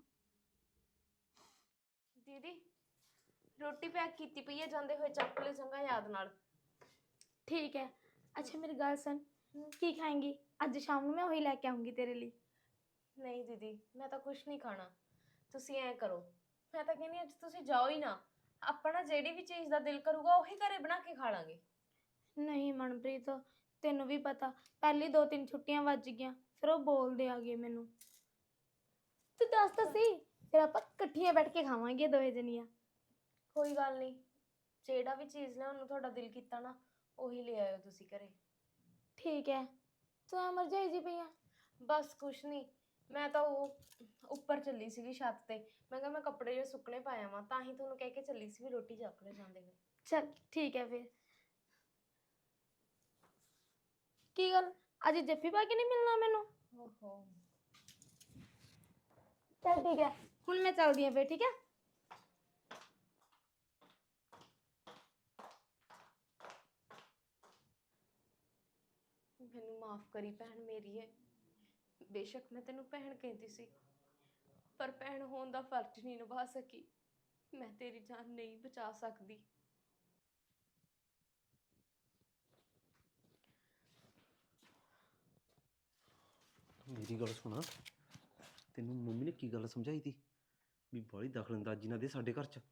S2: ਦੀਦੀ ਰੋਟੀ ਪੈਕ ਕੀਤੀ ਪਈ ਹੈ, ਜਾਂਦੇ ਹੋਏ ਚੱਕ ਲੈ ਚੰਗਾ ਯਾਦ ਨਾਲ।
S1: ਠੀਕ ਹੈ। ਅੱਛਾ ਮੇਰੀ ਗੱਲ ਸੁਣ, ਕੀ ਖਾਏਂਗੀ? ਅੱਜ ਸ਼ਾਮ ਨੂੰ ਮੈਂ ਉਹੀ ਲੈ ਕੇ ਆਉਂਗੀ ਤੇਰੇ ਲਈ।
S2: ਨਹੀਂ ਦੀਦੀ ਮੈਂ ਤਾਂ ਕੁਛ ਨਹੀਂ ਖਾਣਾ, ਤੁਸੀਂ ਐਂ ਕਰੋ, ਮੈਂ ਤਾਂ ਕਹਿੰਦੀ ਅੱਜ ਤੁਸੀਂ ਜਾਓ ਹੀ ਨਾ, ਆਪਣਾ ਜਿਹੜੀ ਵੀ ਚੀਜ਼ ਦਾ ਦਿਲ ਕਰੂਗਾ ਉਹੀ ਘਰੇ ਬਣਾ ਕੇ ਖਾ ਲਾਂਗੇ।
S1: ਨਹੀਂ ਮਨਪ੍ਰੀਤ, ਤੈਨੂੰ ਵੀ ਪਤਾ ਪਹਿਲੀ ਦੋ ਤਿੰਨ ਛੁੱਟੀਆਂ ਵੱਜ ਗਈਆਂ, ਫਿਰ ਉਹ ਬੋਲਦੇ ਆ ਗਏ ਮੈਨੂੰ। ਤੂੰ ਦੱਸ ਤਾਂ ਸੀ, ਫਿਰ ਆਪਾਂ ਇਕੱਠੀਆਂ ਬੈਠ ਕੇ ਖਾਵਾਂਗੇ ਦੋਵੇਂ ਜਣੀਆਂ।
S2: ਕੋਈ ਗੱਲ ਨਹੀਂ, ਜਿਹੜਾ ਵੀ ਚੀਜ਼ ਲਿਆਉਣ ਨੂੰ ਤੁਹਾਡਾ ਦਿਲ ਕੀਤਾ ਨਾ ਉਹੀ ਲੈ ਆਇਓ ਤੁਸੀਂ ਘਰੇ।
S1: ਠੀਕ ਹੈ। ਤੂੰ ਐ ਮਰਜਾਈ ਜੀ ਪਈ ਆ?
S2: ਬਸ ਕੁਛ ਨਹੀਂ, ਮੈਂ ਤਾਂ ਉਹ ਉੱਪਰ ਚੱਲੀ ਸੀਗੀ ਛੱਤ ਤੇ, ਮੈਂ ਕਿਹਾ ਮੈਂ ਕੱਪੜੇ ਜਿਹੇ ਸੁੱਕਣੇ ਪਾਇਆ ਵਾਂ, ਤਾਂ ਹੀ ਤੁਹਾਨੂੰ ਕਹਿ ਕੇ ਚੱਲੀ ਸੀ ਵੀ ਰੋਟੀ ਚੱਕ ਲੈ ਜਾਂਦੇ ਹੋਏ।
S1: ਚਲ ਠੀਕ ਹੈ ਫਿਰ। ਕੀ ਗੱਲ ਅੱਜ ਜੱਫੀ ਪਾ ਕੇ ਨਹੀਂ ਮਿਲਣਾ ਮੈਨੂੰ?
S2: ਓਹੋ
S1: ਚਲ ਠੀਕ ਹੈ, ਹੁਣ ਮੈਂ ਚੱਲਦੀ ਹਾਂ ਫਿਰ, ਠੀਕ ਹੈ।
S2: ਮੈਨੂੰ ਮਾਫ ਕਰੀ ਭੈਣ ਮੇਰੀ ਹੈ, ਬੇਸ਼ੱਕ ਮੈਂ ਤੈਨੂੰ ਭੈਣ ਕਹਿੰਦੀ ਸੀ, ਪਰ ਭੈਣ ਹੋਣ ਦਾ ਫਰਜ਼ ਨਹੀਂ ਨਿਭਾ ਸਕੀ। ਮੈਂ ਤੇਰੀ ਜਾਨ ਨਹੀਂ ਬਚਾ ਸਕਦੀ।
S4: ਮੇਰੀ ਗੱਲ ਸੁਣਾ, ਤੈਨੂੰ ਮੰਮੀ ਨੇ ਕੀ ਗੱਲ ਸਮਝਾਈ ਤੀ ਵੀ ਬਾਹਲੀ ਦਖਲਅੰਦਾਜ਼ੀ ਨਾ ਦੇ ਸਾਡੇ ਘਰ 'ਚ?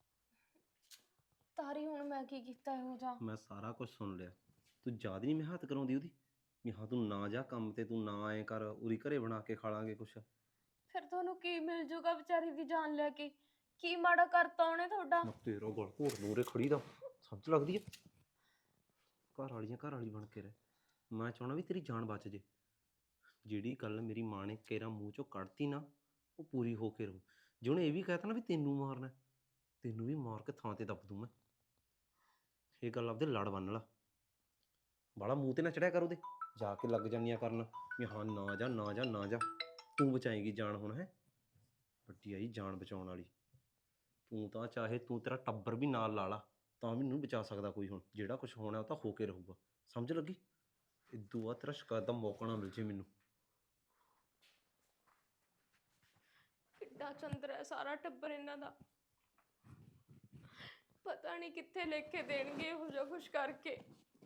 S2: ਤਾਰੀ ਹੁਣ ਮੈਂ ਕੀ ਕੀਤਾ ਇਹੋ ਜਿਹਾ?
S4: ਮੈਂ ਸਾਰਾ ਕੁਝ ਸੁਣ ਲਿਆ। ਤੂੰ ਯਾਦ ਨਹੀਂ ਮੈਂ ਹੱਥ ਕਰਾਉਂਦੀ ਉਹਦੀ ਵੀ ਹਾਂ ਤੂੰ ਨਾ ਜਾ ਕੰਮ ਤੇ, ਤੂੰ ਨਾ ਐਂ ਕਰ, ਉਰੀ ਘਰੇ ਬਣਾ ਕੇ ਖਾ ਲਾਂਗੇ ਕੁਛ।
S2: ਫਿਰ ਤੁਹਾਨੂੰ ਕੀ ਮਿਲ ਜੂਗਾ ਵਿਚਾਰੀ ਦੀ ਜਾਨ ਲੈ ਕੇ? ਕੀ ਮਾੜਾ ਕਰਤਾ ਉਹਨੇ ਤੁਹਾਡਾ?
S4: ਮੈਂ ਤੇਰਾ ਗਲ ਘੋਟ ਮੂਰੇ ਖੜੀ ਦਾ ਸਮਝ ਲੱਗਦੀ ਹੈ? ਘਰ ਵਾਲੀਆਂ ਘਰ ਵਾਲੀ ਬਣ ਕੇ ਰਹਿ। ਮੈਂ ਚਾਹਣਾ ਵੀ ਤੇਰੀ ਜਾਨ ਬਚ ਜੇ। ਜਿਹੜੀ ਗੱਲ ਮੇਰੀ ਮਾਂ ਨੇ ਕੇਰਾ ਮੂੰਹ ਚੋਂ ਕੱਢਤੀ ਨਾ ਉਹ ਪੂਰੀ ਹੋ ਕੇ ਰਹੂ। ਜੇ ਉਹਨੇ ਇਹ ਵੀ ਕਹਿਤਾ ਨਾ ਵੀ ਤੈਨੂੰ ਮਾਰਨਾ, ਤੈਨੂੰ ਵੀ ਮਾਰ ਕੇ ਥਾਂ ਤੇ ਦੱਬ ਦੂੰ ਮੈਂ। ਇਹ ਗੱਲ ਆਪਦੇ ਲੜ ਬੰਨ ਲਾ, ਬਾਹਲਾ ਮੂੰਹ ਤੇ ਨਾ ਚੜਿਆ ਕਰ ਉਹਦੇ, ਜਾ ਕੇ ਲੱਗ ਜਾਂਦੀਆਂ ਕਰਨ ਵੀ ਹਾਂ ਨਾ ਜਾ ਨਾ ਜਾ ਨਾ ਜਾ। ਤੂੰ ਬਚਾਏਂਗੀ ਜਾਨ ਹੁਣ, ਹੈ ਵੱਡੀ ਆਈ ਜਾਨ ਬਚਾਉਣ ਵਾਲੀ। ਤੂੰ ਤਾਂ ਚਾਹੇ ਤੂੰ ਤੇਰਾ ਟੱਬਰ ਵੀ ਨਾਲ ਲਾ ਲਾ ਤਾਂ ਵੀ ਨਹੀਂ ਬਚਾ ਸਕਦਾ ਕੋਈ। ਹੁਣ ਜਿਹੜਾ ਕੁਝ ਹੋਣਾ ਉਹ ਤਾਂ ਹੋ ਕੇ ਰਹੂਗਾ, ਸਮਝ ਲੱਗੀ? ਇਦੋਂ ਬਾਅਦ ਤੇਰਾ ਸ਼ਿਕਾਇਤ ਦਾ ਮੌਕਾ ਨਾ ਮਿਲ ਜੇ ਮੈਨੂੰ।
S2: ਕਿੱਡਾ ਚੰਦਰ ਹੈ ਸਾਰਾ ਟੱਬਰ ਇਹਨਾਂ ਦਾ, ਪਤਾ ਨਹੀਂ ਕਿੱਥੇ ਲੇਖੇ ਦੇਣਗੇ ਇਹੋ ਜਿਹਾ ਕੁਛ ਕਰਕੇ।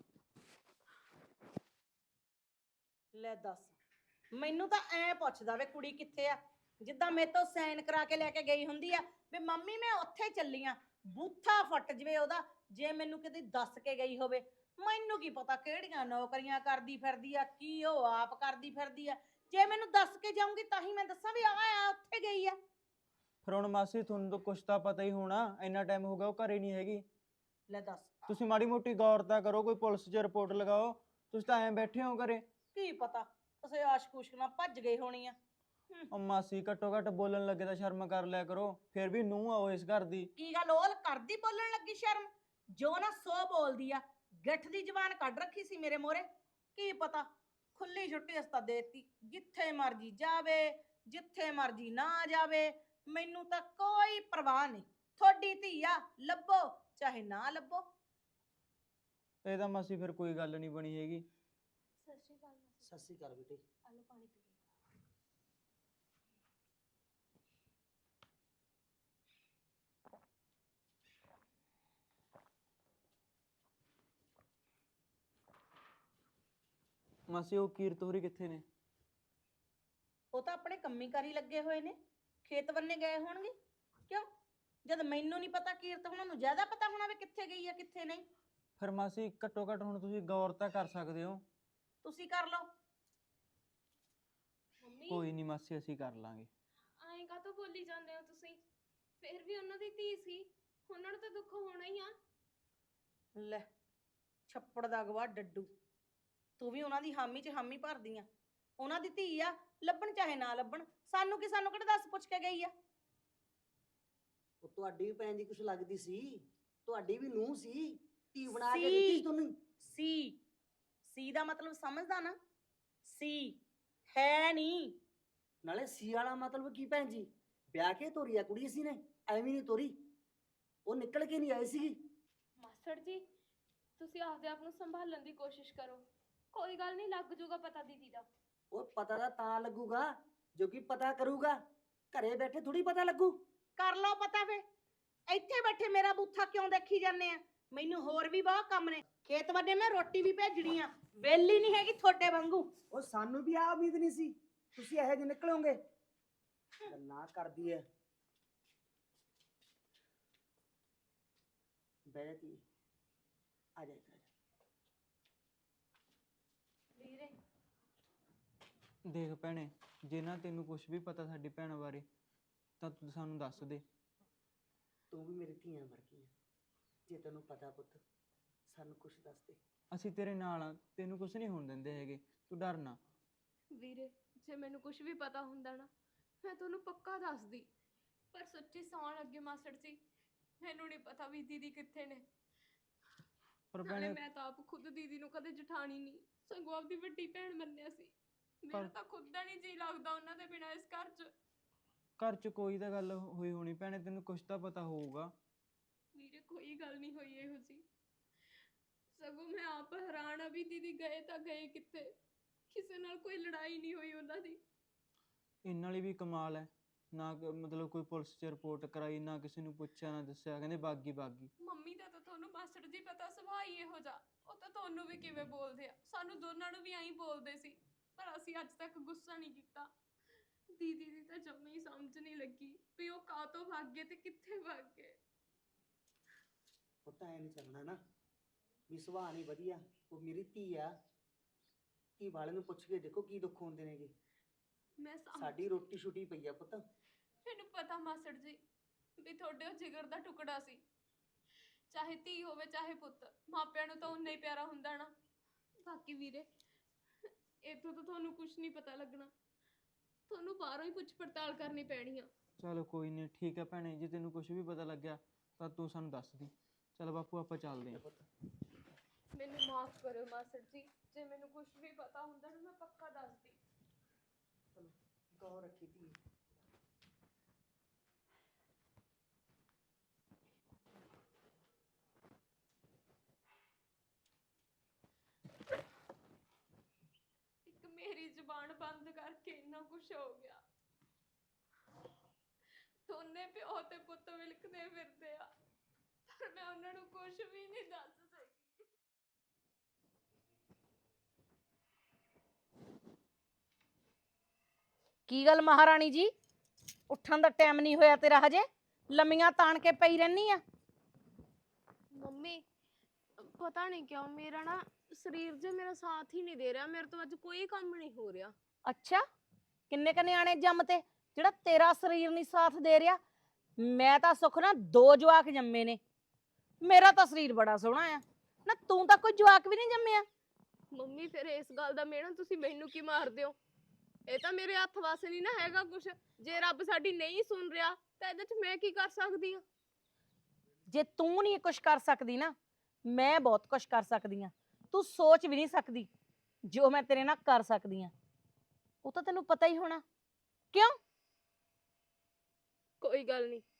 S3: ਲੈ ਦੱਸ, ਮੈਨੂੰ ਤਾਂ ਐ ਪੁੱਛਦਾ ਵੇ ਕੁੜੀ ਕਿੱਥੇ ਆ, ਜਿੱਦਾਂ ਮੇਰੇ ਤੋਂ ਸਾਈਨ ਕਰਾ ਕੇ ਲੈ ਕੇ ਗਈ ਹੁੰਦੀ ਆ ਵੀ ਮੰਮੀ ਮੈਂ ਉੱਥੇ ਚੱਲੀ ਆ। ਬੂਥਾ ਫਟ ਜਵੇ ਉਹਦਾ ਜੇ ਮੈਨੂੰ ਕਿਤੇ ਦੱਸ ਕੇ ਗਈ ਹੋਵੇ। ਮੈਨੂੰ ਕੀ ਪਤਾ ਕਿਹੜੀਆਂ ਨੌਕਰੀਆਂ ਕਰਦੀ ਫਿਰਦੀ ਆ, ਕੀ ਉਹ ਆਪ ਕਰਦੀ ਫਿਰਦੀ ਆ। ਜੇ ਮੈਨੂੰ ਦੱਸ ਕੇ ਜਾਊਂਗੀ ਤਾਂ ਹੀ ਮੈਂ ਦੱਸਾਂ ਵੀ ਆ ਆ ਉੱਥੇ ਗਈ ਆ।
S6: ਫਿਰ ਹੁਣ ਮਾਸੀ ਤੁਹਾਨੂੰ ਤਾਂ ਕੁਛ ਤਾਂ ਪਤਾ ਹੀ ਹੋਣਾ, ਇੰਨਾ ਟਾਈਮ ਹੋ ਗਿਆ ਉਹ ਘਰੇ ਨਹੀਂ ਹੈਗੀ।
S3: ਲੈ ਦੱਸ,
S6: ਤੁਸੀਂ ਮਾੜੀ ਮੋਟੀ ਗੌਰ ਤਾਂ ਕਰੋ, ਕੋਈ ਪੁਲਿਸ 'ਚ ਰਿਪੋਰਟ ਲਗਾਓ। ਤੁਸੀਂ ਤਾਂ ਐਂ ਬੈਠੇ ਹੋ ਘਰੇ।
S3: ਕੀ ਪਤਾ ਕਿਸੇ ਆਸ਼ਕੂਸ਼ ਨਾਲ ਭੱਜ ਗਈ ਹੋਣੀ ਆ।
S6: ਉਹ ਮਾਸੀ ਘੱਟੋ ਘੱਟ ਬੋਲਣ ਲੱਗੇ ਤਾਂ ਸ਼ਰਮ ਕਰ ਲਿਆ ਕਰੋ, ਫਿਰ ਵੀ ਨੂੰਹ ਆਓ ਇਸ ਘਰ ਦੀ।
S3: ਕੀ ਗੱਲ ਉਹ ਕਰਦੀ ਬੋਲਣ ਲੱਗੀ ਸ਼ਰਮ? ਜੋ ਨਾ ਸੋ ਬੋਲਦੀ ਆ, ਗਿੱਠ ਦੀ ਜ਼ਬਾਨ ਕੱਢ ਰੱਖੀ ਸੀ ਮੇਰੇ ਮੋਹਰੇ। ਕੀ ਪਤਾ ਖੁੱਲੀ ਛੁੱਟੀ ਅਸਤਾ ਦੇਤੀ, ਜਿੱਥੇ ਮਰਜੀ ਜਾਵੇ ਜਿੱਥੇ ਮਰਜੀ ਨਾ ਜਾਵੇ, ਮੈਨੂੰ ਤਾਂ ਕੋਈ ਪਰਵਾਹ ਨਹੀਂ। ਤੁਹਾਡੀ ਧੀ ਆ, ਲੱਭੋ ਚਾਹੇ ਨਾ ਲੱਭੋ।
S6: ਇਹ ਤਾਂ ਮਾਸੀ ਫਿਰ ਕੋਈ ਗੱਲ ਨਹੀਂ ਬਣੀ ਹੈਗੀ।
S1: ਸਤਿ ਸ਼੍ਰੀ ਅਕਾਲ ਮਾਸੀ।
S7: ਸਤਿ ਸ਼੍ਰੀ ਅਕਾਲ ਬੇਟੇ।
S1: ਆਲੋ ਪਾਣੀ ਪੀ ਲਓ।
S6: ਮਾਸੀ ਉਹ ਕੀਰਤ ਹੋਰੀ ਕਿੱਥੇ ਨੇ?
S3: ਉਹ ਤਾਂ ਆਪਣੇ ਕੰਮੀ ਕਾਰੀ ਲੱਗੇ ਹੋਏ ਨੇ, ਖੇਤ ਬੰਨੇ ਗਏ ਹੋਣਗੇ। ਕਿਉਂ, ਜਦ ਮੈਨੂੰ ਨਹੀਂ ਪਤਾ ਕੀਰਤ ਉਹਨਾਂ ਨੂੰ ਜ਼ਿਆਦਾ ਪਤਾ ਹੋਣਾ ਵੀ ਕਿੱਥੇ ਗਈ ਆ ਕਿੱਥੇ ਨਹੀਂ।
S6: ਫਿਰ ਮਾਸੀ ਘੱਟੋ ਘੱਟ ਹੁਣ ਤੁਸੀਂ ਗੌਰ ਤਾਂ ਕਰ ਸਕਦੇ ਹੋ।
S3: ਤੁਸੀਂ ਕਰ ਲਓ।
S2: ਮੰਮੀ
S6: ਕੋਈ ਨਹੀਂ ਮਾਸੀ, ਅਸੀਂ ਕਰ ਲਾਂਗੇ।
S2: ਐਂ ਕਾਹਤੋਂ ਬੋਲੀ ਜਾਂਦੇ ਹੋ ਤੁਸੀਂ? ਫਿਰ ਵੀ ਉਹਨਾਂ ਦੀ ਧੀ ਸੀ, ਉਹਨਾਂ ਨੂੰ ਤਾਂ ਦੁੱਖ ਹੋਣਾ ਹੀ ਆ।
S3: ਲੈ, ਛੱਪੜ ਦਾ ਗਵਾ ਡੱਡੂ, ਤੂੰ ਵੀ ਉਹਨਾਂ ਦੀ ਹਾਮੀ 'ਚ ਹਾਮੀ ਭਰਦੀ ਆ। ਉਹਨਾਂ ਦੀ ਧੀ ਆ, ਲੱਭਣ ਚਾਹੇ ਨਾ ਲੱਭਣ, ਸਾਨੂੰ ਕੀ, ਸਾਨੂੰ ਕਿਹੜਾ ਦੱਸ ਪੁੱਛ ਕੇ ਗਈ ਆ।
S7: ਉਹ ਤੁਹਾਡੀ ਵੀ ਭੈਣ ਦੀ ਕੁਛ ਲੱਗਦੀ ਸੀ, ਤੁਹਾਡੀ ਵੀ ਨੂੰਹ ਸੀ, ਧੀ ਬਣਾ ਕੇ
S3: ਸੀ।
S7: ਦਿੱਤੀ ਸੀ ਤੁਹਾਨੂੰ।
S3: ਸੀ ਸੀ ਦਾ ਮਤਲਬ ਸਮਝਦਾ ਨਾ? ਸੀ ਹੈ ਨਹੀਂ।
S7: ਨਾਲੇ ਸੀ ਵਾਲਾ ਮਤਲਬ ਕੀ ਭੈਣ ਜੀ? ਵਿਆਹ ਕੇ ਤੋਰੀ ਆ ਕੁੜੀ ਸੀ ਨੇ, ਐਵੇਂ ਨਹੀਂ ਤੋਰੀ। ਉਹ ਨਿਕਲ ਕੇ ਨਹੀਂ ਆਈ ਸੀਗੀ।
S2: ਮਾਸਟਰ ਜੀ, ਤੁਸੀਂ ਆਪਦੇ ਆਪ ਨੂੰ ਸੰਭਾਲਣ ਦੀ ਕੋਸ਼ਿਸ਼ ਕਰੋ। ਕੋਈ ਗੱਲ ਨਹੀਂ, ਲੱਗ ਜੂਗਾ ਪਤਾ ਦੀਦੀ ਦਾ।
S7: ਉਹ ਪਤਾ ਤਾਂ ਤਾਂ ਲੱਗੂਗਾ ਜੋ ਕਿ ਪਤਾ ਕਰੂਗਾ, ਘਰੇ ਬੈਠੇ ਥੋੜੀ ਪਤਾ ਲੱਗੂ।
S3: ਕਰ ਲਓ ਪਤਾ ਫੇ। ਇੱਥੇ ਬੈਠੇ ਮੇਰਾ ਬੂਥਾ ਕਿਉਂ ਦੇਖੀ ਜਾਂਦੇ ਆ? ਮੈਨੂੰ ਹੋਰ ਵੀ ਬਹੁਤ ਕੰਮ ਨੇ, ਖੇਤ ਵੱਡੇ ਮੈਂ ਰੋਟੀ ਵੀ ਭੇਜਣੀ ਆ, ਵਿਹਲੀ ਨਹੀਂ ਹੈਗੀ ਤੁਹਾਡੇ ਵਾਂਗੂ।
S7: ਉਹ ਸਾਨੂੰ ਵੀ ਆ ਉਮੀਦ ਨਹੀਂ ਸੀ ਤੁਸੀਂ ਇਹੋ ਜਿਹੇ ਨਿਕਲੋਗੇ। ਗੱਲਾਂ ਕਰਦੀ ਐ। ਬੈਠੀ ਆ ਜਾ ਇੱਧਰ।
S2: ਵੀਰੇ
S6: ਦੇਖ ਭੈਣੇ, ਜੇ ਨਾ ਤੈਨੂੰ ਕੁਝ ਵੀ ਪਤਾ ਸਾਡੀ ਭੈਣ ਬਾਰੇ ਤਾਂ ਤੂੰ ਸਾਨੂੰ ਦੱਸ ਦੇ।
S7: ਤੂੰ ਵੀ ਮੇਰੀ ਧੀਆਂ ਵਰਗੀ ਆ, ਜੇ ਤੈਨੂੰ ਪਤਾ ਪੁੱਤ ਸਾਨੂੰ ਕੁਛ ਦੱਸ ਦੇ।
S6: ਅਸੀਂ ਤੇਰੇ ਨਾਲ ਆ, ਤੈਨੂੰ ਕੁਝ ਨਹੀਂ ਹੋਣ ਦਿੰਦੇ ਹੈਗੇ, ਤੂੰ ਡਰ ਨਾ।
S2: ਵੀਰੇ, ਜੇ ਮੈਨੂੰ ਕੁਝ ਵੀ ਪਤਾ ਹੁੰਦਾ ਨਾ, ਮੈਂ ਤੁਹਾਨੂੰ ਪੱਕਾ ਦੱਸਦੀ। ਪਰ ਸੱਚੀ ਸੌਣ ਲੱਗੇ ਮਾਸਟਰ ਜੀ, ਮੈਨੂੰ ਨਹੀਂ ਪਤਾ ਵੀ ਦੀਦੀ ਕਿੱਥੇ ਨੇ।
S6: ਪਰ
S2: ਨਾਲੇ
S6: ਭੈਣੇ
S2: ਮੈਂ ਤਾਂ ਆਪ ਖੁਦ ਦੀਦੀ ਨੂੰ ਕਦੇ ਜਠਾਣੀ ਨਹੀਂ, ਸਗੋਂ ਆਪਦੀ ਵੱਡੀ ਭੈਣ ਮੰਨਿਆ ਸੀ। ਮੇਰਾ ਤਾਂ ਖੁਦ ਦਾ ਨਹੀਂ ਜੀ ਲੱਗਦਾ ਉਹਨਾਂ ਦੇ ਬਿਨਾਂ ਇਸ ਘਰ 'ਚ।
S6: ਘਰ 'ਚ ਕੋਈ ਤਾਂ ਗੱਲ ਹੋਈ ਹੋਣੀ ਭੈਣੇ, ਤੈਨੂੰ ਕੁਝ ਤਾਂ ਪਤਾ ਹੋਊਗਾ।
S2: ਵੀਰੇ ਕੋਈ ਗੱਲ ਨਹੀਂ ਹੋਈ ਇਹੋ ਜੀ, ਸਗੋਂ ਮੈਂ ਆਪ ਹੈਰਾਨ ਆ ਵੀ ਦੀਦੀ ਗਏ ਤਾਂ ਗਏ ਕਿੱਥੇ। ਕਿਸੇ ਨਾਲ ਕੋਈ ਲੜਾਈ ਨਹੀਂ ਹੋਈ ਉਹਨਾਂ ਦੀ।
S6: ਇਹਨਾਂ ਵਾਲੀ ਵੀ ਕਮਾਲ ਹੈ, ਨਾ ਕ- ਮਤਲਬ ਕੋਈ ਪੁਲਿਸ 'ਚ ਰਿਪੋਰਟ ਕਰਾਈ, ਨਾ ਕਿਸੇ ਨੂੰ ਪੁੱਛਿਆ ਨਾ ਦੱਸਿਆ, ਕਹਿੰਦੇ ਬਾਗੀ ਬਾਗੀ।
S2: ਮੰਮੀ ਦਾ ਤਾਂ ਤੁਹਾਨੂੰ ਮਾਸਟਰ ਜੀ ਪਤਾ ਸੁਭਾਅ ਹੀ ਇਹੋ ਜਿਹਾ, ਉਹ ਤਾਂ ਤੁਹਾਨੂੰ ਵੀ ਕਿਵੇਂ ਬੋਲਦੇ ਆ, ਸਾਨੂੰ ਦੋਨਾਂ ਨੂੰ ਵੀ ਐਂ ਬੋਲਦੇ ਸੀ। ਪਰ ਅਸੀਂ ਅੱਜ ਤੱਕ ਗੁੱਸਾ ਨਹੀਂ ਕੀਤਾ। ਦੀਦੀ ਦੀ ਤਾਂ ਜੰਮੀ ਹੀ ਸਮਝ ਨਹੀਂ ਲੱਗੀ ਵੀ ਉਹ ਕਾਹਤੋਂ ਭੱਗ ਗਏ ਤੇ ਕਿੱਥੇ ਭੱਗ ਗਏ।
S7: ਉਹ ਤਾਂ ਐ ਨਹੀਂ ਚੱਲਣਾ ਨਾ ਵੀ ਸੁਭਾਅ ਨਹੀਂ ਵਧੀਆ। ਉਹ ਮੇਰੀ ਧੀ ਆ, ਧੀ ਵਾਲੇ ਨੂੰ ਪੁੱਛ ਕੇ ਦੇਖੋ ਕੀ ਦੁੱਖ ਹੁੰਦੇ ਨੇਗੇ।
S2: ਮੈਂ ਸਮਝ
S7: ਸਾਡੀ ਰੋਟੀ ਛੁੱਟੀ ਪਈ ਆ ਪੁੱਤ।
S2: ਮੈਨੂੰ ਪਤਾ ਮਾਸਟਰ ਜੀ ਵੀ ਤੁਹਾਡੇ ਉਹ ਜਿਗਰ ਦਾ ਟੁਕੜਾ ਸੀ, ਚਾਹੇ ਧੀ ਹੋਵੇ ਚਾਹੇ ਪੁੱਤ, ਮਾਪਿਆਂ ਨੂੰ ਤਾਂ ਉਨਾ ਹੀ ਪਿਆਰਾ ਹੁੰਦਾ ਨਾ। ਬਾਕੀ ਵੀਰੇ, ਇੱਥੋਂ ਤਾਂ ਤੁਹਾਨੂੰ ਕੁਝ ਨਹੀਂ ਪਤਾ ਲੱਗਣਾ, ਤੁਹਾਨੂੰ ਬਾਹਰੋਂ ਹੀ ਪੁੱਛ ਪੜਤਾਲ ਕਰਨੀ ਪੈਣੀ ਆ।
S6: ਚਲੋ ਕੋਈ ਨਹੀਂ, ਠੀਕ ਹੈ ਭੈਣੇ, ਜੇ ਤੈਨੂੰ ਕੁਝ ਵੀ ਪਤਾ ਲੱਗਿਆ ਤਾਂ ਤੂੰ ਸਾਨੂੰ ਦੱਸ ਦੀ। ਚਲ ਬਾਪੂ ਆਪਾਂ ਚੱਲਦੇ ਹਾਂ।
S2: ਮੈਨੂੰ ਮਾਫ ਕਰੋ ਮਾਸਟਰ ਜੀ, ਜੇ ਮੈਨੂੰ ਕੁਝ ਵੀ ਪਤਾ ਹੁੰਦਾ ਨਾ ਮੈਂ ਪੱਕਾ ਦੱਸਦੀ।
S7: ਗੌਰ ਰੱਖੀ ਧੀ।
S2: ਇੱਕ ਮੇਰੀ ਜ਼ੁਬਾਨ ਬੰਦ ਕਰਕੇ ਇੰਨਾ ਕੁਝ ਹੋ ਗਿਆ। ਦੋਨੇ ਪਿਓ ਤੇ ਪੁੱਤ ਵਿਲਕਦੇ ਫਿਰਦੇ ਆ, ਪਰ ਮੈਂ ਉਹਨਾਂ ਨੂੰ ਕੁਝ ਵੀ ਨਹੀਂ ਦੱਸ ਸਕੀ।
S3: ਕੀ ਗੱਲ ਮਹਾਰਾਣੀ ਜੀ, ਉੱਠਣ ਦਾ ਟਾਈਮ ਨਹੀਂ ਹੋਇਆ ਤੇਰਾ ਹਜੇ? ਲੰਮੀਆਂ ਤਾਣ ਕੇ ਪਈ ਰਹਿਨੀ ਆ।
S2: ਮੰਮੀ ਪਤਾ ਨਹੀਂ ਕਿਉਂ ਮੇਰਾ ਨਾ ਸਰੀਰ ਜੇ ਮੇਰਾ ਸਾਥ ਹੀ ਨਹੀਂ ਦੇ ਰਿਹਾ, ਮੇਰੇ ਤੋਂ ਅੱਜ ਕੋਈ ਕੰਮ ਨਹੀਂ ਹੋ ਰਿਹਾ।
S3: ਅੱਛਾ, ਕਿੰਨੇ ਕ ਨਿਆਣੇ ਜੰਮ ਤੇ ਜਿਹੜਾ ਤੇਰਾ ਸਰੀਰ ਨਹੀਂ ਸਾਥ ਦੇ ਰਿਹਾ? ਮੈਂ ਤਾਂ ਸੁੱਖ ਨਾ ਦੋ ਜਵਾਕ ਜੰਮੇ ਨੇ, ਮੇਰਾ ਤਾਂ ਸਰੀਰ ਬੜਾ ਸੋਹਣਾ ਆ ਨਾ। ਤੂੰ ਤਾਂ ਕੋਈ ਜਵਾਕ ਵੀ ਨਹੀਂ ਜੰਮਿਆ।
S2: ਮੰਮੀ ਫਿਰ ਇਸ ਗੱਲ ਦਾ ਮਿਹਣਾ ਤੁਸੀਂ ਮੈਨੂੰ ਕੀ ਮਾਰਦੇ ਹੋ? ਇਹ ਤਾਂ ਮੇਰੇ ਹੱਥ ਵਸ ਨਹੀਂ ਨਾ ਹੈਗਾ ਕੁਛ। ਜੇ ਰੱਬ ਸਾਡੀ ਨਹੀਂ ਸੁਣ ਰਿਹਾ ਤਾਂ ਇਹਦੇ 'ਚ ਮੈਂ ਕੀ ਕਰ ਸਕਦੀ ਹਾਂ?
S3: ਜੇ ਤੂੰ ਨਹੀਂ ਕੁਛ ਕਰ ਸਕਦੀ ਨਾ, ਮੈਂ ਬਹੁਤ ਕੁਛ ਕਰ ਸਕਦੀ ਆ। ਤੂੰ ਸੋਚ ਵੀ ਨਹੀਂ ਸਕਦੀ ਜੋ ਮੈਂ ਤੇਰੇ ਨਾਲ ਕਰ ਸਕਦੀ ਆ। ਉਹ ਤਾਂ ਤੈਨੂੰ ਪਤਾ ਹੀ ਹੋਣਾ। ਕਿਉਂ?
S2: ਕੋਈ ਗੱਲ ਨਹੀਂ,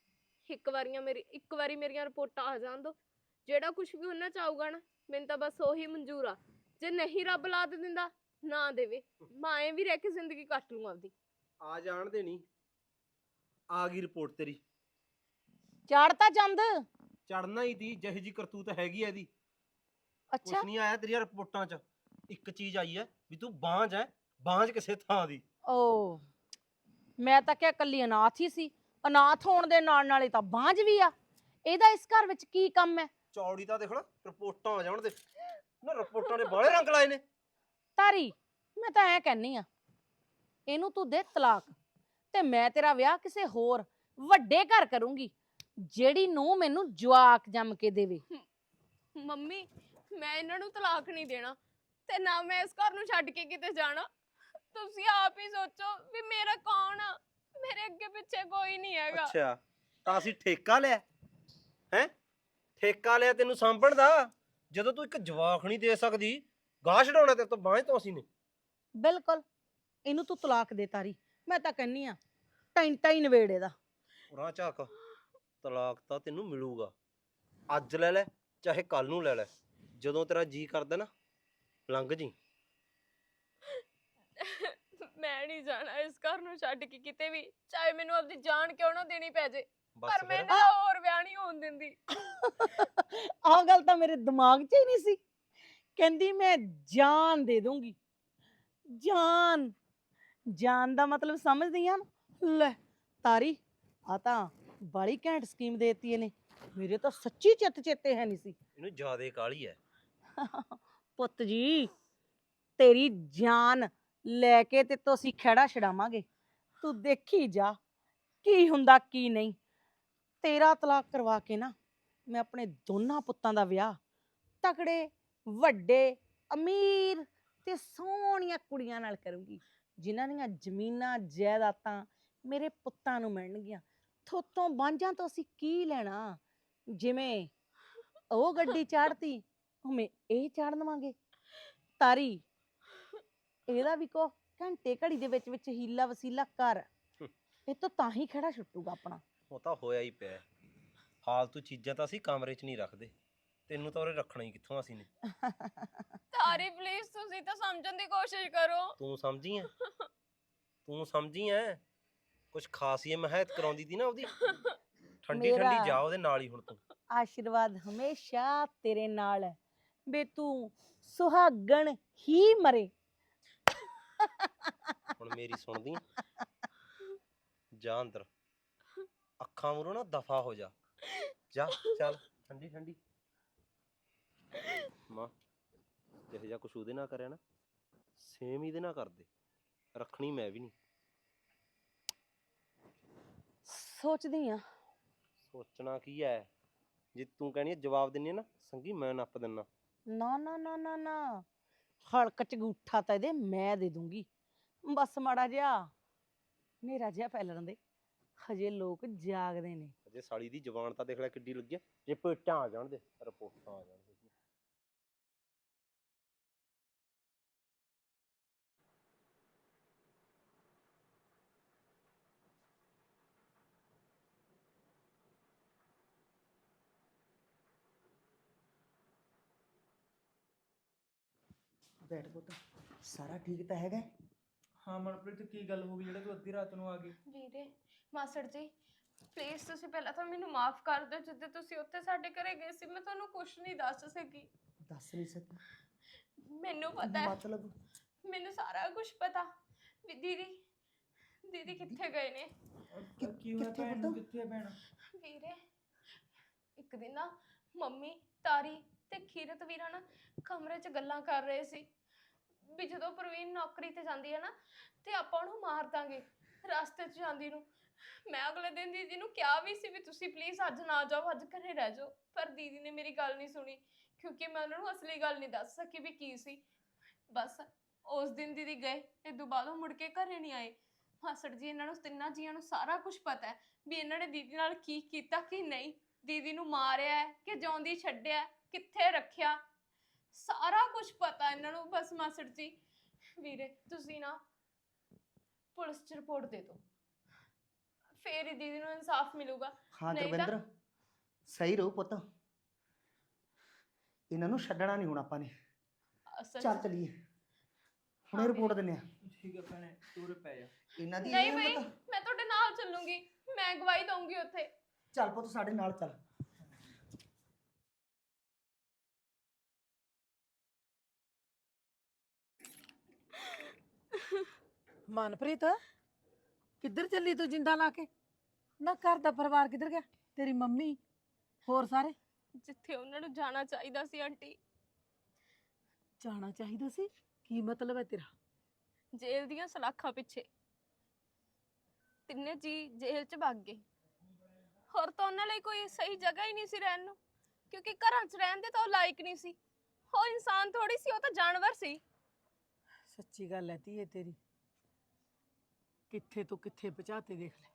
S2: ਇੱਕ ਵਾਰੀਆਂ ਮੇਰੀ ਇੱਕ ਵਾਰੀ ਮੇਰੀਆਂ ਰਿਪੋਰਟਾਂ ਆ ਜਾਣ ਦੋ, ਜਿਹੜਾ ਕੁਝ ਵੀ ਉਹਨਾਂ ਚ ਆਊਗਾ ਨਾ ਮੈਨੂੰ ਤਾਂ ਬਸ ਉਹੀ ਮਨਜ਼ੂਰ ਆ। ਜੇ ਨਹੀਂ ਰੱਬ ਲਾਦ ਦਿੰਦਾ ਨਾ ਦੇਵੇ, ਮੈਂ ਐਂ ਵੀ ਰਹਿ ਕੇ ਜ਼ਿੰਦਗੀ ਕੱਟ ਲੂੰ ਆਪਦੀ।
S4: ਆ ਜਾਣ ਦੇ ਨਹੀਂ, ਆ ਗਈ ਰਿਪੋਰਟ ਤੇਰੀ।
S3: ਚਾੜਤਾ ਚੰਦ।
S4: ਚੜਨਾ ਹੀ ਤੀ, ਜਿਹੀ ਜੀ ਕਰਤੂਤ ਹੈਗੀ ਐ ਇਹਦੀ।
S3: ਅੱਛਾ
S4: ਕੁਛ ਨਹੀਂ ਆਇਆ ਤੇਰੀਆਂ ਰਿਪੋਰਟਾਂ 'ਚ, ਇੱਕ ਚੀਜ਼ ਆਈ ਐ ਵੀ ਤੂੰ ਬਾਂਝ ਐ, ਬਾਂਝ ਕਿਸੇ ਥਾਂ ਦੀ।
S3: ਓ ਮੈਂ ਤਾਂ ਕਿਹਾ ਕੱਲੀ ਅਨਾਥ ਹੀ ਸੀ, ਅਨਾਥ ਹੋਣ ਦੇ ਨਾਲ ਨਾਲੇ ਤਾਂ ਬਾਂਝ ਵੀ ਆ। ਇਹਦਾ ਇਸ ਘਰ ਵਿੱਚ ਕੀ ਕੰਮ ਹੈ?
S4: ਚੌੜੀ ਤਾਂ ਦੇਖ ਲੈ, ਰਿਪੋਰਟਾਂ ਆ ਜਾਣ ਦੇ ਨਾ, ਰਿਪੋਰਟਾਂ ਦੇ ਬਾਹਲੇ ਰੰਗ ਲਾਏ ਨੇ।
S3: ਤਾਰੀ ਮੈਂ ਤਾਂ ਐ ਕਹਿੰਨੀ ਆ, ਇਹਨੂੰ ਤੂੰ ਦੇ ਤਲਾਕ ਤੇ ਮੈਂ ਤੇਰਾ ਵਿਆਹ ਕਿਸੇ ਹੋਰ ਵੱਡੇ ਘਰ ਕਰੂੰਗੀ, ਜਿਹੜੀ ਨੂੰ ਮੈਨੂੰ ਜਵਾਕ ਜੰਮ ਕੇ ਦੇਵੇ।
S2: ਮੰਮੀ ਮੈਂ ਇਹਨਾਂ ਨੂੰ ਤਲਾਕ ਨਹੀਂ ਦੇਣਾ ਤੇ ਨਾ ਮੈਂ ਇਸ ਘਰ ਨੂੰ ਛੱਡ ਕੇ ਕਿਤੇ ਜਾਣਾ। ਤੁਸੀਂ ਆਪ ਹੀ ਸੋਚੋ ਵੀ ਮੇਰਾ ਕੌਣ ਆ, ਮੇਰੇ ਅੱਗੇ ਪਿੱਛੇ ਕੋਈ ਨਹੀਂ ਹੈਗਾ।
S4: ਅੱਛਾ ਤਾਂ ਅਸੀਂ ਠੇਕਾ ਲਿਆ ਹੈ? ਠੇਕਾ ਲਿਆ ਤੈਨੂੰ ਸਾਂਭਣ ਦਾ, ਜਦੋਂ ਤੂੰ ਇੱਕ ਜਵਾਕ ਨਹੀਂ ਦੇ ਸਕਦੀ, ਗਾਹ ਛਡਾਉਣਾ ਤੇਰੇ ਤੋਂ ਬਾਂਝ ਤੋਂ ਅਸੀਂ ਨੇ।
S3: ਬਿਲਕੁਲ, ਇਹਨੂੰ ਤੂੰ ਤਲਾਕ ਦੇ ਤਾਰੀ, ਮੈਂ ਤਾਂ ਕਹਿੰਨੀ ਆ ਟੈਂਟਾ ਹੀ ਨਵੇੜ ਇਹਦਾ।
S4: ਉਰਾਂ ਝਾਕ, ਤਲਾਕ ਤਾਂ ਤੈਨੂੰ ਮਿਲੂਗਾ, ਅੱਜ ਲੈ ਲੈ ਚਾਹੇ ਕੱਲ ਨੂੰ ਲੈ ਲੈ, ਜਦੋਂ ਤੇਰਾ ਜੀ ਕਰਦਾ ਨਾ ਲੰਘ ਜੀ।
S2: ਮੈਂ ਨਹੀਂ ਜਾਣਾ ਇਸ ਘਰ ਨੂੰ ਛੱਡ ਕੇ ਕਿਤੇ ਵੀ, ਚਾਹੇ ਮੈਨੂੰ ਆਪਦੀ ਜਾਨ ਕਿਉਂ ਨਾ ਦੇਣੀ ਪੈ ਜੇ,
S4: ਬਸ
S2: ਪਰ ਮੈਂ
S4: ਫਿਰ
S2: ਇਹਨਾਂ ਦਾ ਹੋਰ ਵਿਆਹ ਨਹੀਂ ਹੋਣ ਦਿੰਦੀ।
S3: ਆਹ ਗੱਲ ਤਾਂ ਮੇਰੇ ਦਿਮਾਗ 'ਚ ਹੀ ਨਹੀਂ ਸੀ। ਕਹਿੰਦੀ ਮੈਂ ਜਾਨ ਦੇ ਦੂੰਗੀ। ਜਾਨ, ਜਾਨ ਦਾ ਮਤਲਬ ਸਮਝਦੀ ਆ ਨਾ? ਲੈ ਤਾਰੀ, ਆ ਤਾਂ ਬੜੀ ਘੈਂਟ ਸਕੀਮ ਦੇਤੀ ਇਹਨੇ, ਮੇਰੇ ਤਾਂ ਸੱਚੀ ਚਿੱਤ ਚੇਤੇ ਹੈ ਨਹੀਂ ਸੀ।
S4: ਇਹਨੂੰ ਜ਼ਿਆਦੇ ਕਾਹਲੀ ਐ।
S3: ਪੁੱਤ ਜੀ, ਤੇਰੀ ਜਾਨ ਲੈ ਕੇ ਤੇ ਤੋਂ ਅਸੀਂ ਖਹਿੜਾ ਛਡਾਵਾਂਗੇ, ਤੂੰ ਦੇਖੀ ਜਾ ਕੀ ਹੁੰਦਾ ਕੀ ਨਹੀਂ। ਤੇਰਾ ਤਲਾਕ ਕਰਵਾ ਕੇ ਨਾ ਮੈਂ ਆਪਣੇ ਦੋਨਾਂ ਪੁੱਤਾਂ ਦਾ ਵਿਆਹ ਤਕੜੇ ਵੱਡੇ ਅਮੀਰ ਤੇ ਸੋਹਣੀਆਂ ਕੁੜੀਆਂ ਨਾਲ ਕਰੂੰਗੀ, ਜਿਨ੍ਹਾਂ ਦੀਆਂ ਜ਼ਮੀਨਾਂ ਜਾਇਦਾਦਾਂ ਮੇਰੇ ਪੁੱਤਾਂ ਨੂੰ ਮਿਲਣਗੀਆਂ। ਥੋਤੋਂ ਬਾਂਝਾਂ ਤੋਂ ਅਸੀਂ ਕੀ ਲੈਣਾ? ਜਿਵੇਂ ਉਹ ਗੱਡੀ ਚਾੜਤੀ ਉਵੇਂ ਇਹ ਚਾੜ ਲਵਾਂਗੇ। ਤਾਰੀ, ਇਹਦਾ ਵੀ ਕੋ ਘੰਟੇ ਘੜੀ ਦੇ ਵਿੱਚ ਵਿੱਚ ਹੀਲਾ ਵਸੀਲਾ ਕਰ, ਇਹ ਤੋਂ ਤਾਂ ਹੀ ਖੜਾ ਛੁੱਟੂਗਾ ਆਪਣਾ।
S4: ਉਹ ਤਾਂ ਹੋਇਆ ਹੀ ਪਿਆ, ਫਾਲਤੂ ਚੀਜ਼ਾਂ ਤਾਂ ਅਸੀਂ ਕਮਰੇ 'ਚ ਨਹੀਂ ਰੱਖਦੇ, ਤੈਨੂੰ ਤਾਂ ਉਰੇ ਰੱਖਣਾ ਹੀ ਕਿੱਥੋਂ ਅਸੀਂ ਨੇ।
S2: ਤਾਰੀ ਪਲੀਜ਼ ਤੁਸੀਂ ਤਾਂ ਸਮਝਣ ਦੀ ਕੋਸ਼ਿਸ਼ ਕਰੋ।
S4: ਤੂੰ ਸਮਝੀ ਐ, ਤੂੰ ਸਮਝੀ ਐ, ਕੁਛ ਖਾਸ ਹੀ ਮਹਿਤ ਕਰਾਉਂਦੀ ਤੀ ਨਾ ਉਹਦੀ, ਠੰਡੀ
S3: ਮੇਰਾ-
S4: ਠੰਡੀ ਜਾ ਉਹਦੇ ਨਾਲ ਹੀ ਹੁਣ ਤੂੰ।
S3: ਆਸ਼ੀਰਵਾਦ ਹਮੇਸ਼ਾ ਤੇਰੇ ਨਾਲ ਹੈ ਬੇ, ਤੂੰ ਸੁਹਾਗਣ ਹੀ ਮਰੇ।
S4: ਹੁਣ ਮੇਰੀ ਸੁਣਦੀ ਆਂ? ਜਾ ਅੰਦਰ, ਅੱਖਾਂ ਮੂਹਰੋਂ ਨਾ ਦਫਾ ਹੋ ਜਾ, ਜਾ ਚੱਲ ਠੰਡੀ ਠੰਡੀ। ਮਾਂ ਜਿਹੋ ਜਿਹਾ ਕੁਛ ਉਹਦੇ ਨਾਲ ਕਰਿਆ ਨਾ, ਸੇਮ ਇਹਦੇ ਨਾਲ ਕਰਦੇ, ਰੱਖਣੀ ਮੈਂ ਵੀ ਨਹੀਂ।
S3: ਸੋਚਦੀ ਆ
S4: ਸੋਚਣਾ ਕੀ ਐ, ਜੇ ਤੂੰ ਕਹਿਣੀ ਜਵਾਬ ਦਿੰਨੀ ਆ ਨਾ ਸੰਗੀ, ਮੈਂ ਨੱਪ ਦਿੰਨਾ।
S3: ਨਾ ਨਾ ਨਾ ਨਾ ਨਾ, ਹਲਕ ਚ ਗੂਠਾ ਤਾਂ ਇਹਦੇ ਮੈਂ ਦੇ ਦੂੰਗੀ, ਬਸ ਮਾੜਾ ਜਿਹਾ ਮੇਰਾ ਜਿਹਾ ਪੈ ਲੈਣ ਦੇ, ਹਜੇ ਲੋਕ ਜਾਗਦੇ ਨੇ।
S4: ਅਜੇ ਸਾਲੀ ਦੀ ਜ਼ਬਾਨ ਤਾਂ ਦੇਖ ਲੈ ਕਿੱਡੀ ਲੱਗੀ ਐ, ਜੇ ਪੇਟਾਂ ਆ ਜਾਣ ਦੇ, ਰਿਪੋਰਟਾਂ ਆ ਜਾਣ ਦੇ।
S7: ਬੈਠ ਪੁੱਤ, ਸਾਰਾ ਠੀਕ ਤਾਂ ਹੈਗਾ?
S6: ਹਾਂ ਮਨਪ੍ਰੀਤ, ਕੀ ਗੱਲ ਹੋ ਗਈ ਜਿਹੜਾ ਤੂੰ ਅੱਧੀ ਰਾਤ ਨੂੰ ਆ ਗਈ?
S2: ਵੀਰੇ ਮਾਸੜ ਜੀ ਪਲੀਜ਼ ਤੁਸੀਂ ਪਹਿਲਾਂ ਤਾਂ ਮੈਨੂੰ ਮਾਫ ਕਰ ਦਿਓ, ਜਿੱਦੇ ਤੁਸੀਂ ਉੱਥੇ ਸਾਡੇ ਘਰੇ ਗਏ ਸੀ ਮੈਂ ਤੁਹਾਨੂੰ ਕੁਝ ਨਹੀਂ ਦੱਸ ਸਕੀ।
S7: ਦੱਸ ਨਹੀਂ ਸਕੀ?
S2: ਮੈਨੂੰ ਪਤਾ ਹੈ,
S7: ਮਤਲਬ
S2: ਮੈਨੂੰ ਸਾਰਾ ਕੁਝ ਪਤਾ ਵੀ ਦੀਦੀ ਦੀਦੀ ਕਿੱਥੇ ਗਏ ਨੇ।
S6: ਅਹ ਕੀ ਹੋਇਆ
S7: ਕਿੱਥੇ
S6: ਭੈਣ ਨੂੰ?
S7: ਪੁੱਤ?
S6: ਕਿੱਥੇ ਆ ਭੈਣ?
S2: ਵੀਰੇ ਇੱਕ ਦਿਨ ਨਾ ਮੰਮੀ ਤਾਰੀ ਤੇ ਖੀਰਤ ਵੀਰਾ ਨਾ ਕਮਰੇ 'ਚ ਗੱਲਾਂ ਕਰ ਰਹੇ ਸੀ ਵੀ ਜਦੋਂ ਪ੍ਰਵੀਨ ਨੌਕਰੀ ਤੇ ਜਾਂਦੀ ਹੈ ਨਾ ਤੇ ਆਪਾਂ ਉਹਨੂੰ ਮਾਰ ਦਾਂਗੇ ਰਸਤੇ 'ਚ ਜਾਂਦੀ ਨੂੰ। ਮੈਂ ਅਗਲੇ ਦਿਨ ਦੀਦੀ ਨੂੰ ਕਿਹਾ ਵੀ ਸੀ ਵੀ ਤੁਸੀਂ ਪਲੀਜ਼ ਅੱਜ ਨਾ ਜਾਓ, ਅੱਜ ਘਰੇ ਰਹਿ ਜਾਓ, ਪਰ ਦੀਦੀ ਨੇ ਮੇਰੀ ਗੱਲ ਨਹੀਂ ਸੁਣੀ ਕਿਉਂਕਿ ਮੈਂ ਉਹਨਾਂ ਨੂੰ ਅਸਲੀ ਗੱਲ ਨਹੀਂ ਦੱਸ ਸਕੀ ਵੀ ਕੀ ਸੀ। ਬਸ ਉਸ ਦਿਨ ਦੀਦੀ ਗਏ, ਇਦੋਂ ਬਾਅਦ ਉਹ ਮੁੜ ਕੇ ਘਰੇ ਨਹੀਂ ਆਏ। ਮਾਸੜ ਜੀ ਇਹਨਾਂ ਨੂੰ ਤਿੰਨਾਂ ਜੀਆਂ ਨੂੰ ਸਾਰਾ ਕੁਝ ਪਤਾ ਹੈ ਵੀ ਇਹਨਾਂ ਨੇ ਦੀਦੀ ਨਾਲ ਕੀ ਕੀਤਾ ਕੀ ਨਹੀਂ, ਦੀਦੀ ਨੂੰ ਮਾਰਿਆ ਹੈ ਕਿ ਜਿਉਂਦੀ ਛੱਡਿਆ, ਕਿੱਥੇ ਰੱਖਿਆ, ਸਾਰਾ ਕੁਝ ਪਤਾ ਇਹਨਾਂ ਨੂੰ। ਬਸ ਮਾਸੜ ਜੀ ਵੀਰੇ ਤੁਸੀਂ ਨਾ ਪੁਲਿਸ 'ਚ ਰਿਪੋਰਟ ਦੇ ਦਿਓ, ਫੇਰ ਹੀ ਦੀਦੀ ਨੂੰ ਇਨਸਾਫ ਮਿਲੂਗਾ।
S7: ਹਾਂ
S2: ਨਹੀਂ ਤਾਂ-
S7: ਗੁਰਵਿੰਦਰ ਸਹੀ ਰਹੋ ਪੁੱਤ, ਇਹਨਾਂ ਨੂੰ ਛੱਡਣਾ ਨਹੀਂ ਹੁਣ ਆਪਾਂ ਨੇ।
S2: ਅਸਲ
S7: ਚੱਲ
S2: ਚ-
S7: ਚਲੀਏ ਹੁਣੇ
S2: ਹਾਂ
S7: ਰਿਪੋਰਟ ਦਿੰਨੇ ਆ
S6: ਠੀਕ ਹੈ ਭੈਣੇ ਤੂੰ ਪੈ ਜਾ।
S7: ਇਹਨਾਂ ਦੀ
S2: ਨਹੀਂ
S7: ਇਹ
S2: ਬਈ
S7: ਹਿੰਮਤ।
S2: ਮੈਂ ਤੁਹਾਡੇ ਨਾਲ ਚੱਲੂੰਗੀ, ਮੈਂ ਗਵਾਹੀ ਦਊਂਗੀ ਉੱਥੇ।
S7: ਚੱਲ ਪੁੱਤ ਸਾਡੇ ਨਾਲ ਚੱਲ।
S8: ਮਨਪ੍ਰੀਤ ਕਿੱਧਰ ਚੱਲੀ ਤੂੰ ਜਿੰਦਾ ਲਾ ਕੇ? ਨਾ ਘਰ ਦਾ ਪਰਿਵਾਰ ਕਿੱਧਰ ਗਿਆ? ਤੇਰੀ ਮੰਮੀ ਹੋਰ ਸਾਰੇ?
S2: ਜਿੱਥੇ ਉਹਨਾਂ ਨੂੰ ਜਾਣਾ ਚਾਹੀਦਾ ਸੀ ਆਂਟੀ।
S8: ਜਾਣਾ ਚਾਹੀਦਾ ਸੀ? ਕੀ ਮਤਲਬ ਹੈ ਤੇਰਾ?
S2: ਜੇਲ੍ਹ ਦੀਆਂ ਸਲਾਖਾਂ ਪਿੱਛੇ ਤਿੰਨੇ ਜੀ ਜੇਲ੍ਹ 'ਚ ਭੱਗ ਗਏ। ਹੋਰ ਤਾਂ ਉਹਨਾਂ ਲਈ ਕੋਈ ਸਹੀ ਜਗ੍ਹਾ ਹੀ ਨਹੀਂ ਸੀ ਰਹਿਣ ਨੂੰ, ਕਿਉਂਕਿ ਘਰਾਂ 'ਚ ਰਹਿਣ ਦੇ ਤਾਂ ਉਹ ਲਾਇਕ ਨਹੀਂ ਸੀ। ਉਹ ਇਨਸਾਨ ਥੋੜੀ ਸੀ, ਉਹ ਤਾਂ ਜਾਨਵਰ ਸੀ।
S8: ਸੱਚੀ ਗੱਲ ਹੈ ਧੀਏ ਤੇਰੀ, ਕਿੱਥੇ ਤੋਂ ਕਿੱਥੇ ਪਹੁੰਚਾਤੇ ਦੇਖ ਲੈ।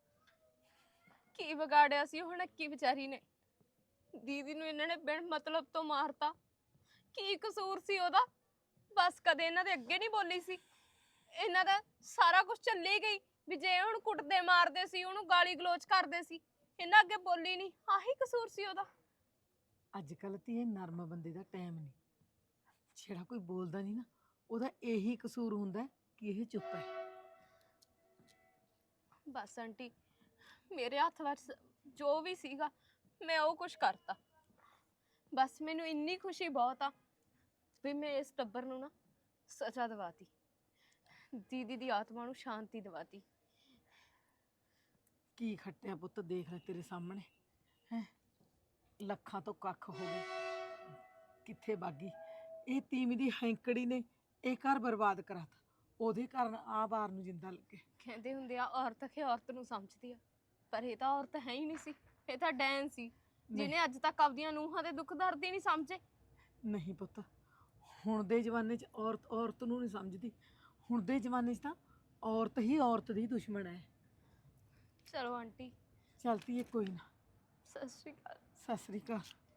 S2: ਕੀ ਵਿਗਾੜਿਆ ਸੀ ਉਹ ਨੱਕੀ ਵਿਚਾਰੀ ਨੇ? ਦੀਦੀ ਨੂੰ ਇਹਨਾਂ ਨੇ ਬਿਨ ਮਤਲਬ ਤੋਂ ਮਾਰਤਾ। ਕੀ ਕਸੂਰ ਸੀ ਉਹਦਾ? ਬਸ ਕਦੇ ਇਹਨਾਂ ਦੇ ਅੱਗੇ ਨਹੀਂ ਬੋਲੀ ਸੀ। ਇਹਨਾਂ ਦਾ ਸਾਰਾ ਕੁਝ ਚੱਲੀ ਗਈ ਵੀ ਜੇ ਹੁਣ ਕੁੱਟਦੇ ਮਾਰਦੇ ਸੀ, ਉਹਨੂੰ ਗਾਲੀ ਗਲੋਚ ਕਰਦੇ ਸੀ, ਇਹਨਾਂ ਅੱਗੇ ਬੋਲੀ ਨਹੀਂ। ਆਹੀ ਕਸੂਰ ਸੀ ਉਹਦਾ।
S8: ਅੱਜ ਕੱਲ੍ਹ ਧੀਏ ਨਰਮ ਬੰਦੇ ਦਾ ਟਾਈਮ ਨਹੀਂ। ਜਿਹੜਾ ਕੋਈ ਬੋਲਦਾ ਨਹੀਂ ਨਾ, ਉਹਦਾ ਇਹੀ ਕਸੂਰ ਹੁੰਦਾ ਕਿ ਇਹ ਚੁੱਪ ਹੈ।
S2: ਬਸ ਆਂਟੀ, ਮੇਰੇ ਹੱਥ ਵਿੱਚ ਜੋ ਵੀ ਸੀਗਾ ਮੈਂ ਉਹ ਕੁਝ ਕਰਤਾ। ਬਸ ਮੈਨੂੰ ਇੰਨੀ ਖੁਸ਼ੀ ਬਹੁਤ ਆ ਵੀ ਮੈਂ ਇਸ ਟੱਬਰ ਨੂੰ ਨਾ ਸਜ਼ਾ ਦਿਵਾਤੀ, ਦੀਦੀ ਦੀ ਆਤਮਾ ਨੂੰ ਸ਼ਾਂਤੀ ਦਿਵਾਤੀ।
S8: ਕੀ ਖੱਟਿਆ ਪੁੱਤ ਦੇਖ ਲੈ ਤੇਰੇ ਸਾਹਮਣੇ ਹੈ। ਲੱਖਾਂ ਤੋਂ ਕੱਖ ਹੋ ਗਏ, ਕਿੱਥੇ ਬਾਗੀ? ਇਹ ਤੀਵੀਂ ਦੀ ਹੈਂਕੜੀ ਨੇ ਇਹ ਘਰ ਬਰਬਾਦ ਕਰਾਤਾ। ਉਹਦੇ ਕਾਰਨ ਆ ਬਾਰ ਨੂੰ ਜਿੰਦਾ ਲੱਗੇ।
S2: ਕਹਿੰਦੇ ਹੁੰਦੇ ਆ ਔਰਤ ਕਿ ਔਰਤ ਨੂੰ ਸਮਝਦੀ ਆ, ਪਰ ਇਹ ਤਾਂ ਔਰਤ ਹੈ ਹੀ ਨਹੀਂ ਸੀ। ਇਹ ਤਾਂ ਡੈਨ ਸੀ ਜਿਹਨੇ ਅੱਜ ਤੱਕ ਆਪਦੀਆਂ ਨੂੰਹਾਂ ਦੇ ਦੁੱਖ ਦਰਦ ਹੀ ਨਹੀਂ ਸਮਝੇ।
S8: ਨਹੀਂ ਪੁੱਤ, ਹੁਣ ਦੇ ਜ਼ਮਾਨੇ 'ਚ ਔਰਤ ਔਰਤ ਨੂੰ ਨਹੀਂ ਸਮਝਦੀ। ਹੁਣ ਦੇ ਜ਼ਮਾਨੇ 'ਚ ਤਾਂ ਔਰਤ ਹੀ ਔਰਤ ਦੀ ਦੁਸ਼ਮਣ ਹੈ।
S2: ਚਲੋ ਆਂਟੀ,
S8: ਚਲਤੀ ਹੈ ਕੋਈ ਨਾ।
S2: ਸਤਿ ਸ਼੍ਰੀ ਅਕਾਲ।
S8: ਸਤਿ ਸ੍ਰੀ ਅਕਾਲ।